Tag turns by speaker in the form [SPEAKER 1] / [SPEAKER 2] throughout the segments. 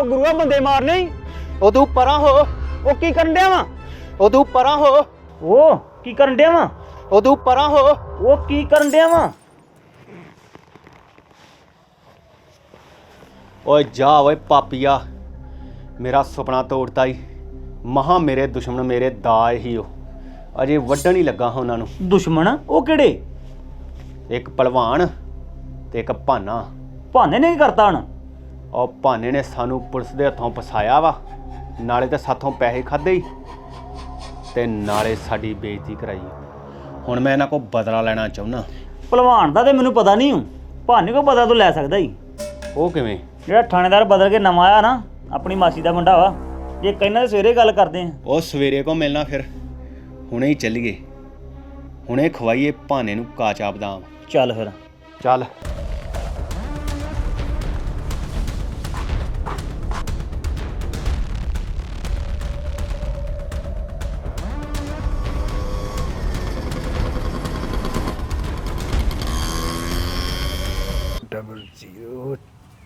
[SPEAKER 1] ਉਹ ਗੁਰੂਆ ਬੰਦੇ ਮਾਰਨੇ ਈ।
[SPEAKER 2] ਉਹ ਤੂੰ ਪਰਾਂ ਹੋ,
[SPEAKER 1] ਉਹ ਕੀ ਕਰਨ ਡਿਆ ਵਾ?
[SPEAKER 2] ਉਹ ਤੂੰ ਪਰਾਂ ਹੋ,
[SPEAKER 1] ਉਹ ਕੀ ਕਰਨ ਡਿਆ ਵਾ?
[SPEAKER 2] ਉਹ ਤੂੰ ਪਰਾਂ ਹੋ।
[SPEAKER 1] ਉਹ ਕੀ ਕਰਨ ਡਿਆ ਵਾ?
[SPEAKER 2] ਓਏ ਜਾ ਓਏ ਪਾਪੀਆ, ਮੇਰਾ ਸੁਪਨਾ ਤੋੜਤਾ ਈ। ਮਹਾ ਮੇਰੇ ਦੁਸ਼ਮਣ ਮੇਰੇ ਦਾ ਹੀ ਉਹ ਅਜੇ ਵੱਢਣ ਹੀ ਲੱਗਾ ਹਾਂ ਉਹਨਾਂ ਨੂੰ।
[SPEAKER 1] ਦੁਸ਼ਮਣ? ਉਹ ਕਿਹੜੇ?
[SPEAKER 2] ਇੱਕ ਭਲਵਾਨ ਤੇ ਇੱਕ ਭਾਨਾ।
[SPEAKER 1] ਭਾਨੇ ਨੇ ਕੀ ਕਰਤਾ ਹੁਣ?
[SPEAKER 2] ਉਹ ਭਾਨੇ ਨੇ ਸਾਨੂੰ ਪੁਲਿਸ ਦੇ ਹੱਥੋਂ ਫਸਾਇਆ ਵਾ, ਨਾਲੇ ਤੇ ਸਾਥੋਂ ਪੈਸੇ ਖਾਦੇ ਹੀ ਤੇ ਨਾਲੇ ਸਾਡੀ ਬੇਇੱਜ਼ਤੀ ਕਰਾਈ। ਹੁਣ ਮੈਂ ਇਹਨਾਂ ਕੋਲ ਬਦਲਾ ਲੈਣਾ ਚਾਹੁੰਦਾ।
[SPEAKER 1] ਭਲਵਾਨ ਦਾ ਤੇ ਮੈਨੂੰ ਪਤਾ ਨਹੀਂ ਹੂੰ, ਭਾਨੇ ਕੋ ਪਤਾ ਤੂੰ ਲੈ ਸਕਦਾ ਹੀ।
[SPEAKER 2] ਉਹ ਕਿਵੇਂ?
[SPEAKER 1] ਜਿਹੜਾ ਥਾਣੇਦਾਰ ਬਦਲ ਕੇ ਨਵਾਂ ਆਇਆ ਨਾ, ਆਪਣੀ ਮਾਸੀ ਦਾ ਮੁੰਡਾ ਵਾ। ਜੇ ਕਹਿੰਦਾ ਸਵੇਰੇ ਗੱਲ ਕਰਦੇ ਆ।
[SPEAKER 2] ਉਹ ਸਵੇਰੇ ਕੋ ਮਿਲਣਾ, ਫਿਰ ਹੁਣੇ ਹੀ ਚੱਲੀਏ, ਹੁਣੇ ਖਵਾਈਏ ਭਾਨੇ ਨੂੰ ਕਾਚਾ ਬਦਾਮ।
[SPEAKER 1] ਚੱਲ ਫਿਰ।
[SPEAKER 2] ਚੱਲ।
[SPEAKER 3] डबल 0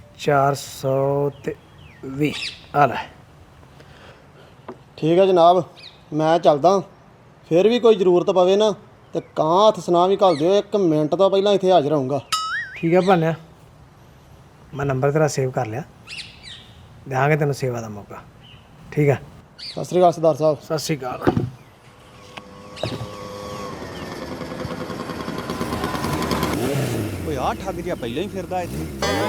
[SPEAKER 3] 420 आ ले।
[SPEAKER 4] ਠੀਕ ਹੈ ਜਨਾਬ, ਮੈਂ ਚੱਲਦਾ। ਫਿਰ ਵੀ ਕੋਈ ਜ਼ਰੂਰਤ ਪਵੇ ਨਾ ਤੇ ਕਾਂ ਹੱਥ ਸੁਣਾ ਵੀ ਘੱਲ ਦਿਓ, 1 ਮਿੰਟ ਤੋਂ ਪਹਿਲਾਂ ਇੱਥੇ ਹਾਜ਼ਰ ਹੋਊਂਗਾ।
[SPEAKER 3] ठीक है भान्या, मैं नंबर तेरा सेव कर लिया, देंगे तेन सेवा का मौका। ठीक है,
[SPEAKER 4] ਸਤਿ ਸ੍ਰੀ ਅਕਾਲ ਸਰਦਾਰ ਸਾਹਿਬ।
[SPEAKER 3] सत श्री अकाल।
[SPEAKER 2] ਓਏ ਆ ਠੱਗ ਜਿਹਾ ਪਹਿਲਾਂ ਹੀ ਫਿਰਦਾ ਇੱਥੇ।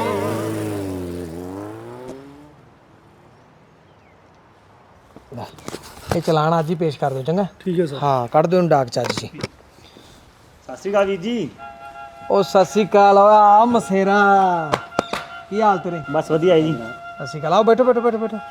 [SPEAKER 3] ये चलान आज ही पेश कर दो चंगा। ठीक है सर। हाँ कट दो डाक चार्ज जी।
[SPEAKER 1] ਸਤਿ ਸ਼੍ਰੀ ਅਕਾਲ ਵੀਰ ਜੀ।
[SPEAKER 3] ओ सत श्री अकाल। आ मसेरा की हाल तेरे?
[SPEAKER 1] ਬਸ ਵਧੀਆ ਹੈ ਜੀ।
[SPEAKER 3] सत श्री अकाल। आओ बैठो बैठो बैठो बैठो।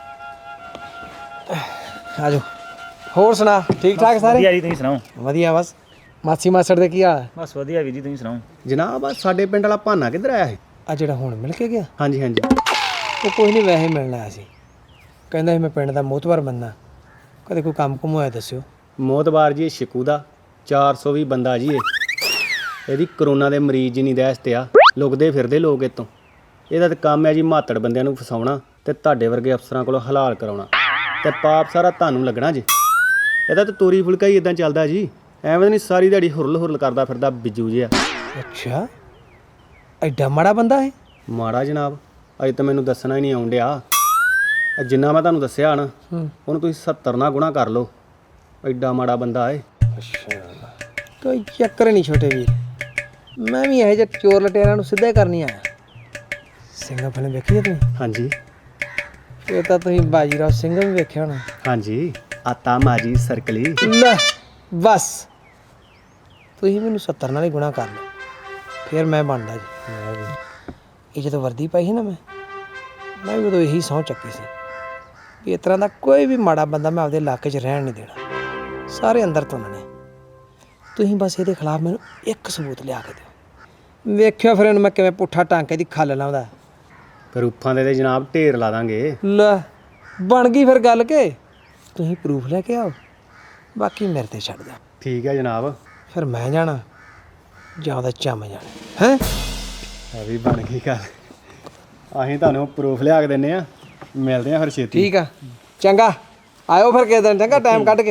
[SPEAKER 3] आ जाओ। होर सुना ठीक ठाक सारे?
[SPEAKER 1] ਵਧੀਆ ਜੀ, ਤੁਸੀਂ ਸੁਣਾਓ?
[SPEAKER 3] ਵਧੀਆ बस। ਮਾਸੀ ਮਾਸੜ ਦੇ ਕੀ ਹਾਲ ਹੈ?
[SPEAKER 1] ਬਸ ਵਧੀਆ ਵੀਰ ਜੀ, ਤੁਸੀਂ ਸੁਣਾਓ?
[SPEAKER 2] ਜਨਾਬ ਆ ਸਾਡੇ ਪਿੰਡ ਵਾਲਾ ਭਾਨਾ ਕਿੱਧਰ ਆਇਆ ਹੈ?
[SPEAKER 3] ਆ ਜਿਹੜਾ ਹੁਣ ਮਿਲ ਕੇ ਗਿਆ?
[SPEAKER 2] ਹਾਂਜੀ ਹਾਂਜੀ।
[SPEAKER 3] ਉਹ ਕੋਈ ਨਹੀਂ, ਵੈਸੇ ਮਿਲਣ ਆਇਆ ਸੀ। ਕਹਿੰਦਾ ਸੀ ਮੈਂ ਪਿੰਡ ਦਾ ਮੋਹਤਵਾਰ ਬੰਦਾ, ਕਦੇ ਕੋਈ ਕੰਮ ਕੁਮ ਹੋਇਆ ਦੱਸਿਓ।
[SPEAKER 2] ਮੋਤਬਾਰ ਜੀ ਸ਼ਿਕੂ ਦਾ 420 ਬੰਦਾ ਜੀ। ਇਹਦੀ ਕਰੋਨਾ ਦੇ ਮਰੀਜ਼ ਜੀ ਨਹੀਂ ਦਹਿਸ ਤੇ ਆ, ਲੁਕਦੇ ਫਿਰਦੇ ਲੋਕ ਇਤੋਂ। ਇਹਦਾ ਤਾਂ ਕੰਮ ਹੈ ਜੀ ਮਾਤੜ ਬੰਦਿਆਂ ਨੂੰ ਫਸਾਉਣਾ ਤੇ ਤੁਹਾਡੇ ਵਰਗੇ ਅਫਸਰਾਂ ਕੋਲੋਂ ਹਲਾਲ ਕਰਾਉਣਾ, ਤੇ ਪਾਪ ਸਾਰਾ ਤੁਹਾਨੂੰ ਲੱਗਣਾ ਜੀ। ਇਹਦਾ ਤਾਂ ਤੋਰੀ ਫੁਲਕਾ ਹੀ ਇਦਾਂ ਚੱਲਦਾ ਜੀ, ਐਵੇਂ ਨਹੀਂ ਸਾਰੀ ਦਿਹਾੜੀ ਹੁਰਲ ਹੁਰਲ ਕਰਦਾ ਫਿਰਦਾ ਬਿੱਜੂ ਜਿਹਾ।
[SPEAKER 3] ਅੱਛਾ, ਐਡਾ ਮਾੜਾ ਬੰਦਾ ਹੈ?
[SPEAKER 2] ਮਾੜਾ ਜਨਾਬ, ਅਜੇ ਤਾਂ ਮੈਨੂੰ ਦੱਸਣਾ ਹੀ ਨਹੀਂ ਆਉਣ ਡਿਆ। ਜਿੰਨਾ ਮੈਂ ਤੁਹਾਨੂੰ ਦੱਸਿਆ ਨਾ, ਉਹਨੂੰ ਤੁਸੀਂ 70 ਨਾਲ ਗੁਣਾ ਕਰ ਲਓ। ਐਡਾ ਮਾੜਾ ਬੰਦਾ ਏ।
[SPEAKER 3] ਅੱਛਾ, ਕੋਈ ਚੱਕਰ ਨਹੀਂ ਛੋਟੇ ਵੀਰ, ਮੈਂ ਵੀ ਇਹੋ ਜਿਹੇ ਚੋਰ ਲਟੇਰਾਂ ਨੂੰ ਸਿੱਧਾ ਹੀ ਕਰਨੀ ਆਇਆ। ਸਿੰਘਾਂ ਫਿਲਮ ਵੇਖੀ ਹੈ ਤੁਸੀਂ?
[SPEAKER 2] ਹਾਂਜੀ
[SPEAKER 3] ਇਹ ਤਾਂ ਤੁਸੀਂ ਬਾਜੀਰਾਓ ਸਿੰਘ ਵੀ ਵੇਖਿਆ ਹੋਣਾ।
[SPEAKER 2] ਹਾਂਜੀ, ਆਤਾ ਮਾਜੀ ਸਰਕਲੀ।
[SPEAKER 3] ਲੈ ਬਸ, ਤੁਸੀਂ ਮੈਨੂੰ 70 ਨਾਲ ਹੀ ਗੁਣਾ ਕਰ ਲਓ, ਫਿਰ ਮੈਂ ਬਣਦਾ ਜੀ। ਇਹ ਜਦੋਂ ਵਰਦੀ ਪਾਈ ਸੀ ਨਾ, ਮੈਂ ਵੀ ਉਦੋਂ ਇਹੀ ਸਹੁੰ ਚੱਕੀ ਸੀ ਵੀ ਇਸ ਤਰ੍ਹਾਂ ਦਾ ਕੋਈ ਵੀ ਮਾੜਾ ਬੰਦਾ ਮੈਂ ਆਪਦੇ ਇਲਾਕੇ 'ਚ ਰਹਿਣ ਨਹੀਂ ਦੇਣਾ। ਸਾਰੇ ਅੰਦਰ ਤੁੰਨਣੇ। ਤੁਸੀਂ ਬਸ ਇਹਦੇ ਖਿਲਾਫ ਮੈਨੂੰ ਇੱਕ ਸਬੂਤ ਲਿਆ ਕੇ ਦਿਓ, ਵੇਖਿਓ ਫਿਰ ਇਹਨੂੰ ਮੈਂ ਕਿਵੇਂ ਪੁੱਠਾ ਟਾਂਕੇ ਦੀ ਖੱਲ ਲਾਉਂਦਾ।
[SPEAKER 2] ਫਿਰ ਉੱਫਾਂ ਦੇ ਜਨਾਬ ਢੇਰ ਲਾ ਦਾਂਗੇ।
[SPEAKER 3] ਲੈ ਬਣ ਗਈ ਫਿਰ ਗੱਲ ਕੇ ਤੁਸੀਂ ਪ੍ਰੂਫ ਲੈ ਕੇ ਆਓ, ਬਾਕੀ ਮੇਰੇ ਤੇ ਛੱਡ ਦਿਓ।
[SPEAKER 2] ਠੀਕ ਹੈ ਜਨਾਬ।
[SPEAKER 3] ਫਿਰ ਮੈਂ ਜਾਣਾ ਜਾਂ ਉਹਦਾ ਚੰਮ ਜਾਣਾ ਹੈ?
[SPEAKER 2] ਇਹ ਵੀ ਬਣ ਗਈ ਗੱਲ। ਅਸੀਂ ਤੁਹਾਨੂੰ ਪ੍ਰੂਫ ਲਿਆ ਕੇ ਦਿੰਨੇ ਆ, ਮਿਲਦੇ ਆ ਫਿਰ ਛੇਤੀ।
[SPEAKER 3] ਠੀਕ ਆ, ਚੰਗਾ ਆਇਓ ਫਿਰ ਕਿਸੇ ਦਿਨ, ਚੰਗਾ ਟਾਈਮ ਕੱਢ ਕੇ।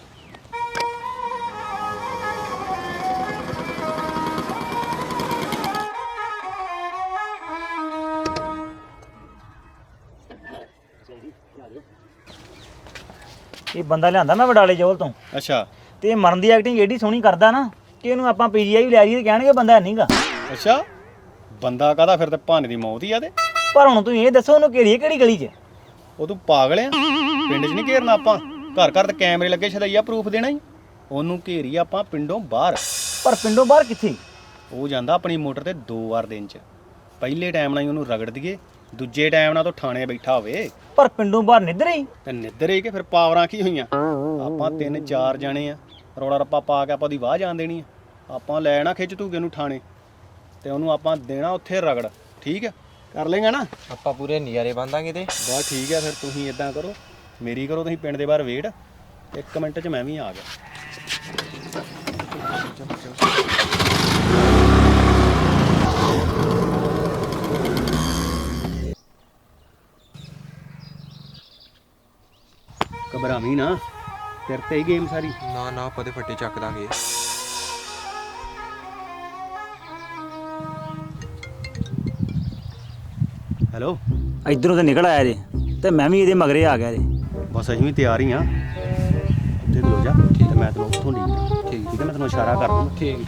[SPEAKER 1] ਇਹ ਬੰਦਾ ਲਿਆਂਦਾ ਮੈਂ ਵਡਾਲੇ ਜੋਲ ਤੋਂ,
[SPEAKER 2] ਅੱਛਾ
[SPEAKER 1] ਤੇ ਇਹ ਮਰਨ ਦੀ ਐਕਟਿੰਗ ਏਡੀ ਸੋਹਣੀ ਕਰਦਾ ਨਾ ਕਿ ਇਹਨੂੰ ਆਪਾਂ ਪੀਜੀਆਈ ਵੀ ਲੈ ਜਾਈਏ ਤੇ ਕਹਿਣਗੇ ਬੰਦਾ ਨਹੀਂਗਾ।
[SPEAKER 2] ਅੱਛਾ, ਬੰਦਾ ਕਾਹਦਾ? ਫਿਰ ਤੇ ਭਾਨੇ ਦੀ ਮੌਤ ਹੀ ਆ। ਤੇ
[SPEAKER 1] ਪਰ ਹੁਣ ਤੁਸੀਂ ਇਹ ਦੱਸੋ ਉਹਨੂੰ ਘੇਰੀਏ ਕਿਹੜੀ ਗਲੀ 'ਚ?
[SPEAKER 2] ਉਹ ਤੂੰ ਪਾਗਲ ਆ? ਪਿੰਡ 'ਚ ਨਹੀਂ ਘੇਰਨਾ ਆਪਾਂ, ਘਰ ਘਰ ਤੇ ਕੈਮਰੇ ਲੱਗੇ, ਛਦਈਆ ਪ੍ਰੂਫ ਦੇਣਾ ਹੀ। ਉਹਨੂੰ ਘੇਰੀ ਆਪਾਂ ਪਿੰਡੋਂ ਬਾਹਰ।
[SPEAKER 1] ਪਰ ਪਿੰਡੋਂ ਬਾਹਰ ਕਿੱਥੇ?
[SPEAKER 2] ਉਹ ਜਾਂਦਾ ਆਪਣੀ ਮੋਟਰ ਤੇ 2 ਵਾਰ ਦਿਨ 'ਚ। ਪਹਿਲੇ ਟਾਈਮ ਨਾਲ ਹੀ ਉਹਨੂੰ ਰਗੜ ਦਈਏ, ਦੂਜੇ ਟਾਈਮ ਨਾਲ ਤੋਂ ਥਾਣੇ ਬੈਠਾ ਹੋਵੇ।
[SPEAKER 1] ਪਰ ਪਿੰਡੋਂ ਬਾਹਰ ਨਿੱਧਰ ਹੀ?
[SPEAKER 2] ਤੇ ਨਿੱਧਰ ਹੀ ਕਿ ਫਿਰ ਪਾਵਰਾਂ ਕੀ ਹੋਈਆਂ? ਆਪਾਂ 3-4 ਜਾਣੇ ਆ, ਰੌਲਾ ਰੱਪਾ ਪਾ ਕੇ ਆਪਾਂ ਉਹਦੀ ਵਾਹ ਜਾਣ ਦੇਣੀ ਆ। ਆਪਾਂ ਲੈਣਾ ਖਿੱਚ ਧੂਗੇ ਨੂੰ ਥਾਣੇ, ਤੇ ਉਹਨੂੰ ਆਪਾਂ ਦੇਣਾ ਉੱਥੇ ਰਗੜ। ਠੀਕ ਹੈ, ਕਰ ਲੇਗਾ ਨਾ?
[SPEAKER 5] ਆਪਾਂ ਪੂਰੇ ਨਜ਼ਾਰੇ ਬੰਦਾਂਗੇ ਤੇ
[SPEAKER 2] ਬਸ ਠੀਕ ਹੈ। ਫਿਰ ਤੁਸੀਂ ਇਦਾਂ ਕਰੋ, ਮੇਰੀ ਕਰੋ ਤੁਸੀਂ ਪਿੰਡ ਦੇ ਬਾਹਰ ਵੇਟ, 1 ਮਿੰਟ 'ਚ ਮੈਂ ਵੀ ਆ ਗਿਆ। ਵੀ ਨਾ ਤੇਰੇ ਤੇ ਹੀ ਗੇਮ ਸਾਰੀ।
[SPEAKER 5] ਨਾ ਨਾ ਆਪਾਂ ਤੇ ਫੱਟੇ ਚੱਕ ਦਾਂਗੇ।
[SPEAKER 2] ਹੈਲੋ,
[SPEAKER 1] ਇਧਰੋਂ ਤੇ ਨਿਕਲ ਆਇਆ ਜੇ ਤੇ ਮੈਂ ਵੀ ਇਹਦੇ ਮਗਰੇ ਆ ਗਿਆ ਜੇ।
[SPEAKER 2] ਬਸ ਅਸੀਂ ਵੀ ਤਿਆਰ ਹੀ ਆ। ਉੱਥੇ ਖਲੋ ਜਾ ਤੇ ਮੈਂ ਤੈਨੂੰ ਉੱਥੋਂ ਲੀਕ ਠੀਕ ਹੈ, ਮੈਂ ਤੈਨੂੰ ਇਸ਼ਾਰਾ ਕਰ ਦੂੰਗਾ।
[SPEAKER 5] ਠੀਕ।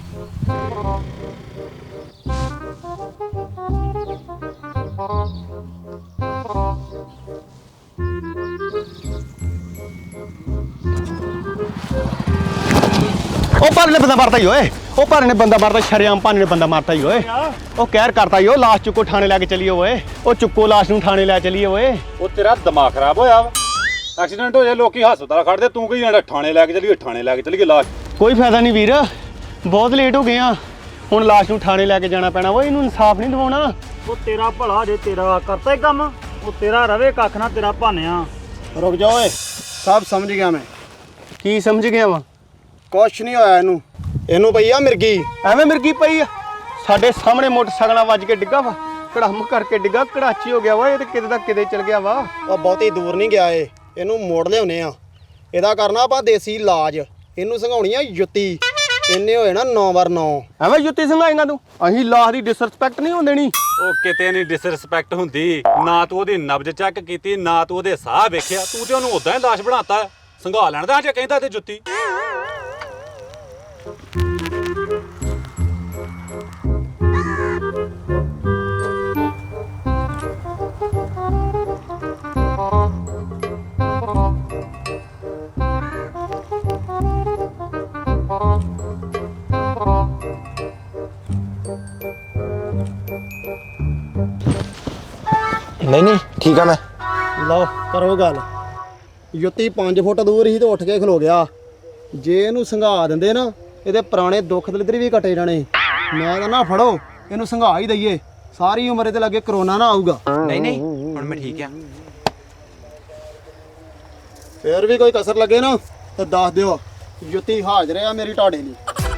[SPEAKER 2] ਉਹ ਭਾਨੇ ਨੇ ਬੰਦਾ ਮਾਰਤਾ ਹੀ ਓਏ, ਉਹ ਭਾਨੇ ਨੇ ਬੰਦਾ ਮਾਰਤਾ, ਸ਼ਰੇਆਮ ਭਾਨੇ ਨੇ ਬੰਦਾ ਮਾਰਤਾ ਹੀ ਓਏ। ਉਹ ਕਹਿਰ ਕਰਤਾ ਹੀ, ਉਹ ਲਾਸ਼ ਚੁੱਕੋ ਥਾਣੇ ਲੈ ਕੇ ਚਲੀਏ ਓਏ। ਉਹ ਚੁੱਕੋ ਲਾਸ਼ ਨੂੰ ਥਾਣੇ ਲੈ ਚਲੀਏ ਓਏ।
[SPEAKER 6] ਉਹ ਤੇਰਾ ਦਿਮਾਗ ਖਰਾਬ ਹੋਇਆ ਵਾ? ਐਕਸੀਡੈਂਟ ਹੋ ਜਾਏ ਲੋਕੀ ਹਸਪਤਾਲ ਖੜਦੇ, ਤੂੰ ਕਹੀ ਜਾਂਦਾ ਥਾਣੇ ਲੈ ਕੇ ਚਲੀਏ, ਥਾਣੇ ਲੈ ਕੇ ਚਲੀਏ ਲਾਸ਼।
[SPEAKER 2] ਕੋਈ ਫਾਇਦਾ ਨਹੀਂ ਵੀਰ, ਬਹੁਤ ਲੇਟ ਹੋ ਗਏ ਆ। ਹੁਣ ਲਾਸ਼ ਨੂੰ ਥਾਣੇ ਲੈ ਕੇ ਜਾਣਾ ਪੈਣਾ ਓਏ। ਇਹਨੂੰ ਇਨਸਾਫ ਨਹੀਂ ਦਿਵਾਉਣਾ।
[SPEAKER 1] ਉਹ ਤੇਰਾ ਭਲਾ ਜੇ, ਤੇਰਾ ਕਰਤਾ ਹੀ ਕੰਮ। ਉਹ ਤੇਰਾ ਰਵੇ ਕੱਖ ਨਾ, ਤੇਰਾ ਭਾਨਿਆ।
[SPEAKER 4] ਰੁਕ ਜਾ ਓਏ, ਸਭ ਸਮਝ ਗਿਆ ਮੈਂ।
[SPEAKER 2] ਕੀ ਸਮਝ ਗਿਆ ਵਾ?
[SPEAKER 4] ਕੁਛ ਨਹੀਂ ਹੋਇਆ ਇਹਨੂੰ ਪਈ ਆ ਮਿਰਗੀ।
[SPEAKER 2] ਐਵੇਂ ਮਿਰਗੀ ਪਈ ਆ ਸਾਡੇ ਸਾਹਮਣੇ, ਮੋਟਰਸਾਈਕਲ ਨਾਲ ਵੱਜ ਕੇ ਡਿੱਗਾ ਵਾ, ਕੜਾਮ ਕਰਕੇ ਡਿੱਗਾ, ਕੜਾਚੀ ਹੋ ਗਿਆ ਵਾ। ਇਹ ਤੇ ਕਿਤੇ ਦਾ ਕਿਤੇ ਚਲ ਗਿਆ ਵਾ।
[SPEAKER 4] ਉਹ ਬਹੁਤੀ ਦੂਰ ਨਹੀਂ ਗਿਆ ਇਹਨੂੰ ਮੋੜ ਲਿਆਉਨੇ ਆ। ਇਹਦਾ ਕਰਨਾ ਆਪਾਂ ਦੇਸੀ ਇਲਾਜ। ਇਹਨੂੰ ਸੰਘਾਉਣੀ ਆ ਜੁੱਤੀ। ਇਹਨੇ ਹੋਏ ਨਾ 9x9।
[SPEAKER 2] ਐਵੇਂ ਜੁੱਤੀ ਸੰਘਾਏਗਾ ਤੂੰ? ਅਸੀਂ ਲਾਸ਼ ਦੀ ਡਿਸਰੈਸਪੈਕਟ ਨਹੀਂ ਹੋਣ ਦੇਣੀ।
[SPEAKER 6] ਉਹ ਕਿਤੇ ਨਹੀਂ ਡਿਸਰਿਸਪੈਕਟ ਹੁੰਦੀ। ਨਾ ਤੂੰ ਉਹਦੀ ਨਬਜ਼ ਚੈੱਕ ਕੀਤੀ, ਨਾ ਤੂੰ ਉਹਦੇ ਸਾਹ ਵੇਖਿਆ, ਤੂੰ ਤੇ ਉਹਨੂੰ ਉਦਾਂ ਹੀ ਲਾਸ਼ ਬਣਾਤਾ। ਸੰਘਾ ਲੈਣ ਦਾ ਜੇ ਕਹਿੰਦਾ ਤੇ ਜੁੱਤੀ।
[SPEAKER 5] ਨਹੀਂ ਠੀਕ ਆ ਮੈਂ।
[SPEAKER 4] ਲਓ ਕਰੋ ਗੱਲ। ਜੁੱਤੀ 5 ਫੁੱਟ ਦੂਰ ਹੀ ਤੇ ਉੱਠ ਕੇ ਖਲੋ ਗਿਆ। ਜੇ ਇਹਨੂੰ ਸੰਘਾ ਦਿੰਦੇ ਨਾ, ਇਹਦੇ ਪੁਰਾਣੇ ਦੁੱਖ ਦਲਿੱਦਰ ਵੀ ਕੱਟੇ ਜਾਣੇ। ਮੈਂ ਤਾਂ ਨਾ ਫੜੋ ਇਹਨੂੰ ਸੰਘਾ ਹੀ ਦਈਏ, ਸਾਰੀ ਉਮਰ ਇਹਦੇ ਲੱਗੇ ਕਰੋਨਾ ਨਾ ਆਊਗਾ।
[SPEAKER 5] ਨਹੀਂ ਹੁਣ ਮੈਂ ਠੀਕ ਆ।
[SPEAKER 4] ਫੇਰ ਵੀ ਕੋਈ ਕਸਰ ਲੱਗੇ ਨਾ ਤਾਂ ਦੱਸ ਦਿਓ। ਜੁੱਤੀ ਹਾਜ਼ਰ ਆ ਮੇਰੀ ਤੁਹਾਡੇ ਲਈ।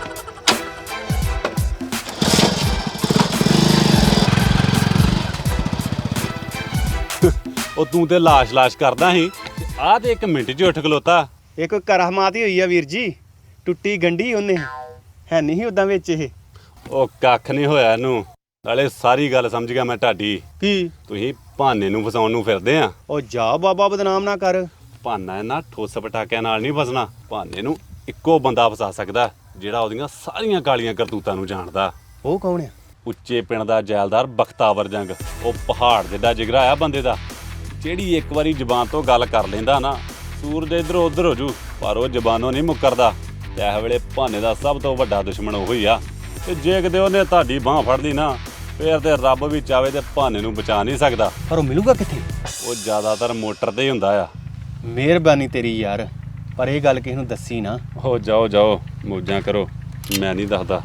[SPEAKER 6] ਉਹ ਤੂੰ ਤੇ ਲਾਸ਼ ਕਰਦਾ ਸੀ, ਆਹ ਤੇ 1 ਮਿੰਟ 'ਚ ਉੱਠ ਖਲੋਤਾ।
[SPEAKER 2] ਇੱਕ ਕਰਾਮਾਤ ਹੀ ਹੋਈ ਆ ਵੀਰ ਜੀ, ਟੁੱਟੀ ਗੰਢੀ ਉਹਨੇ, ਹੈ ਨਹੀਂ ਉਦਾਂ ਵਿੱਚ ਇਹ।
[SPEAKER 6] ਉਹ ਕੱਖ ਨਹੀਂ ਹੋਇਆ ਇਹਨੂੰ। ਨਾਲੇ ਸਾਰੀ ਗੱਲ ਸਮਝ ਗਿਆ ਮੈਂ ਤੁਹਾਡੀ।
[SPEAKER 2] ਕੀ?
[SPEAKER 6] ਤੁਸੀਂ ਭਾਨੇ ਨੂੰ ਫਸਾਉਣ ਨੂੰ ਫਿਰਦੇ ਆ।
[SPEAKER 2] ਉਹ ਜਾ ਬਾਬਾ, ਬਦਨਾਮ ਨਾ ਕਰ।
[SPEAKER 6] ਭਾਨਾ ਇਹਨਾਂ ਠੋਸ ਪਟਾਕਿਆਂ ਨਾਲ ਨਹੀਂ ਫਸਣਾ। ਭਾਨੇ ਨੂੰ ਇੱਕੋ ਬੰਦਾ ਫਸਾ ਸਕਦਾ, ਜਿਹੜਾ ਉਹਦੀਆਂ ਸਾਰੀਆਂ ਕਾਲੀਆਂ ਕਰਤੂਤਾਂ ਨੂੰ ਜਾਣਦਾ।
[SPEAKER 2] ਉਹ ਕੌਣ ਆ?
[SPEAKER 6] ਉੱਚੇ ਪਿੰਡ ਦਾ ਜੈਲਦਾਰ ਬਖਤਾਵਰ ਜੰਗ। ਉਹ ਪਹਾੜ ਜਿੱਡਾ ਜਿਗਰਾ ਆ ਬੰਦੇ ਦਾ। ਜਿਹੜੀ ਇੱਕ ਵਾਰੀ ਜ਼ਬਾਨ ਤੋਂ ਗੱਲ ਕਰ ਲੈਂਦਾ ਨਾ, ਸੂਰਜ ਇੱਧਰੋਂ ਉੱਧਰ ਹੋ ਜੂ, ਪਰ ਉਹ ਜ਼ਬਾਨੋਂ ਨਹੀਂ ਮੁੱਕਰਦਾ। ਤੇ ਇਸ ਵੇਲੇ ਭਾਨੇ ਦਾ ਸਭ ਤੋਂ ਵੱਡਾ ਦੁਸ਼ਮਣ ਉਹ ਹੀ ਆ। ਤੇ ਜੇ ਕਿਤੇ ਉਹਨੇ ਤੁਹਾਡੀ ਬਾਂਹ ਫੜ ਲਈ ਨਾ, ਫੇਰ ਤੇ ਰੱਬ ਵੀ ਚਾਵੇ ਤੇ ਭਾਨੇ ਨੂੰ ਬਚਾ ਨਹੀਂ ਸਕਦਾ।
[SPEAKER 2] ਪਰ ਉਹ ਮਿਲੂਗਾ ਕਿੱਥੇ?
[SPEAKER 6] ਉਹ ਜ਼ਿਆਦਾਤਰ ਮੋਟਰ ਤੇ ਹੀ ਹੁੰਦਾ ਆ।
[SPEAKER 2] ਮਿਹਰਬਾਨੀ ਤੇਰੀ ਯਾਰ, ਪਰ ਇਹ ਗੱਲ ਕਿਸੇ ਨੂੰ ਦੱਸੀ ਨਾ।
[SPEAKER 6] ਹੋ ਜਾਓ ਮੌਜਾਂ ਕਰੋ, ਮੈਂ ਨਹੀਂ ਦੱਸਦਾ।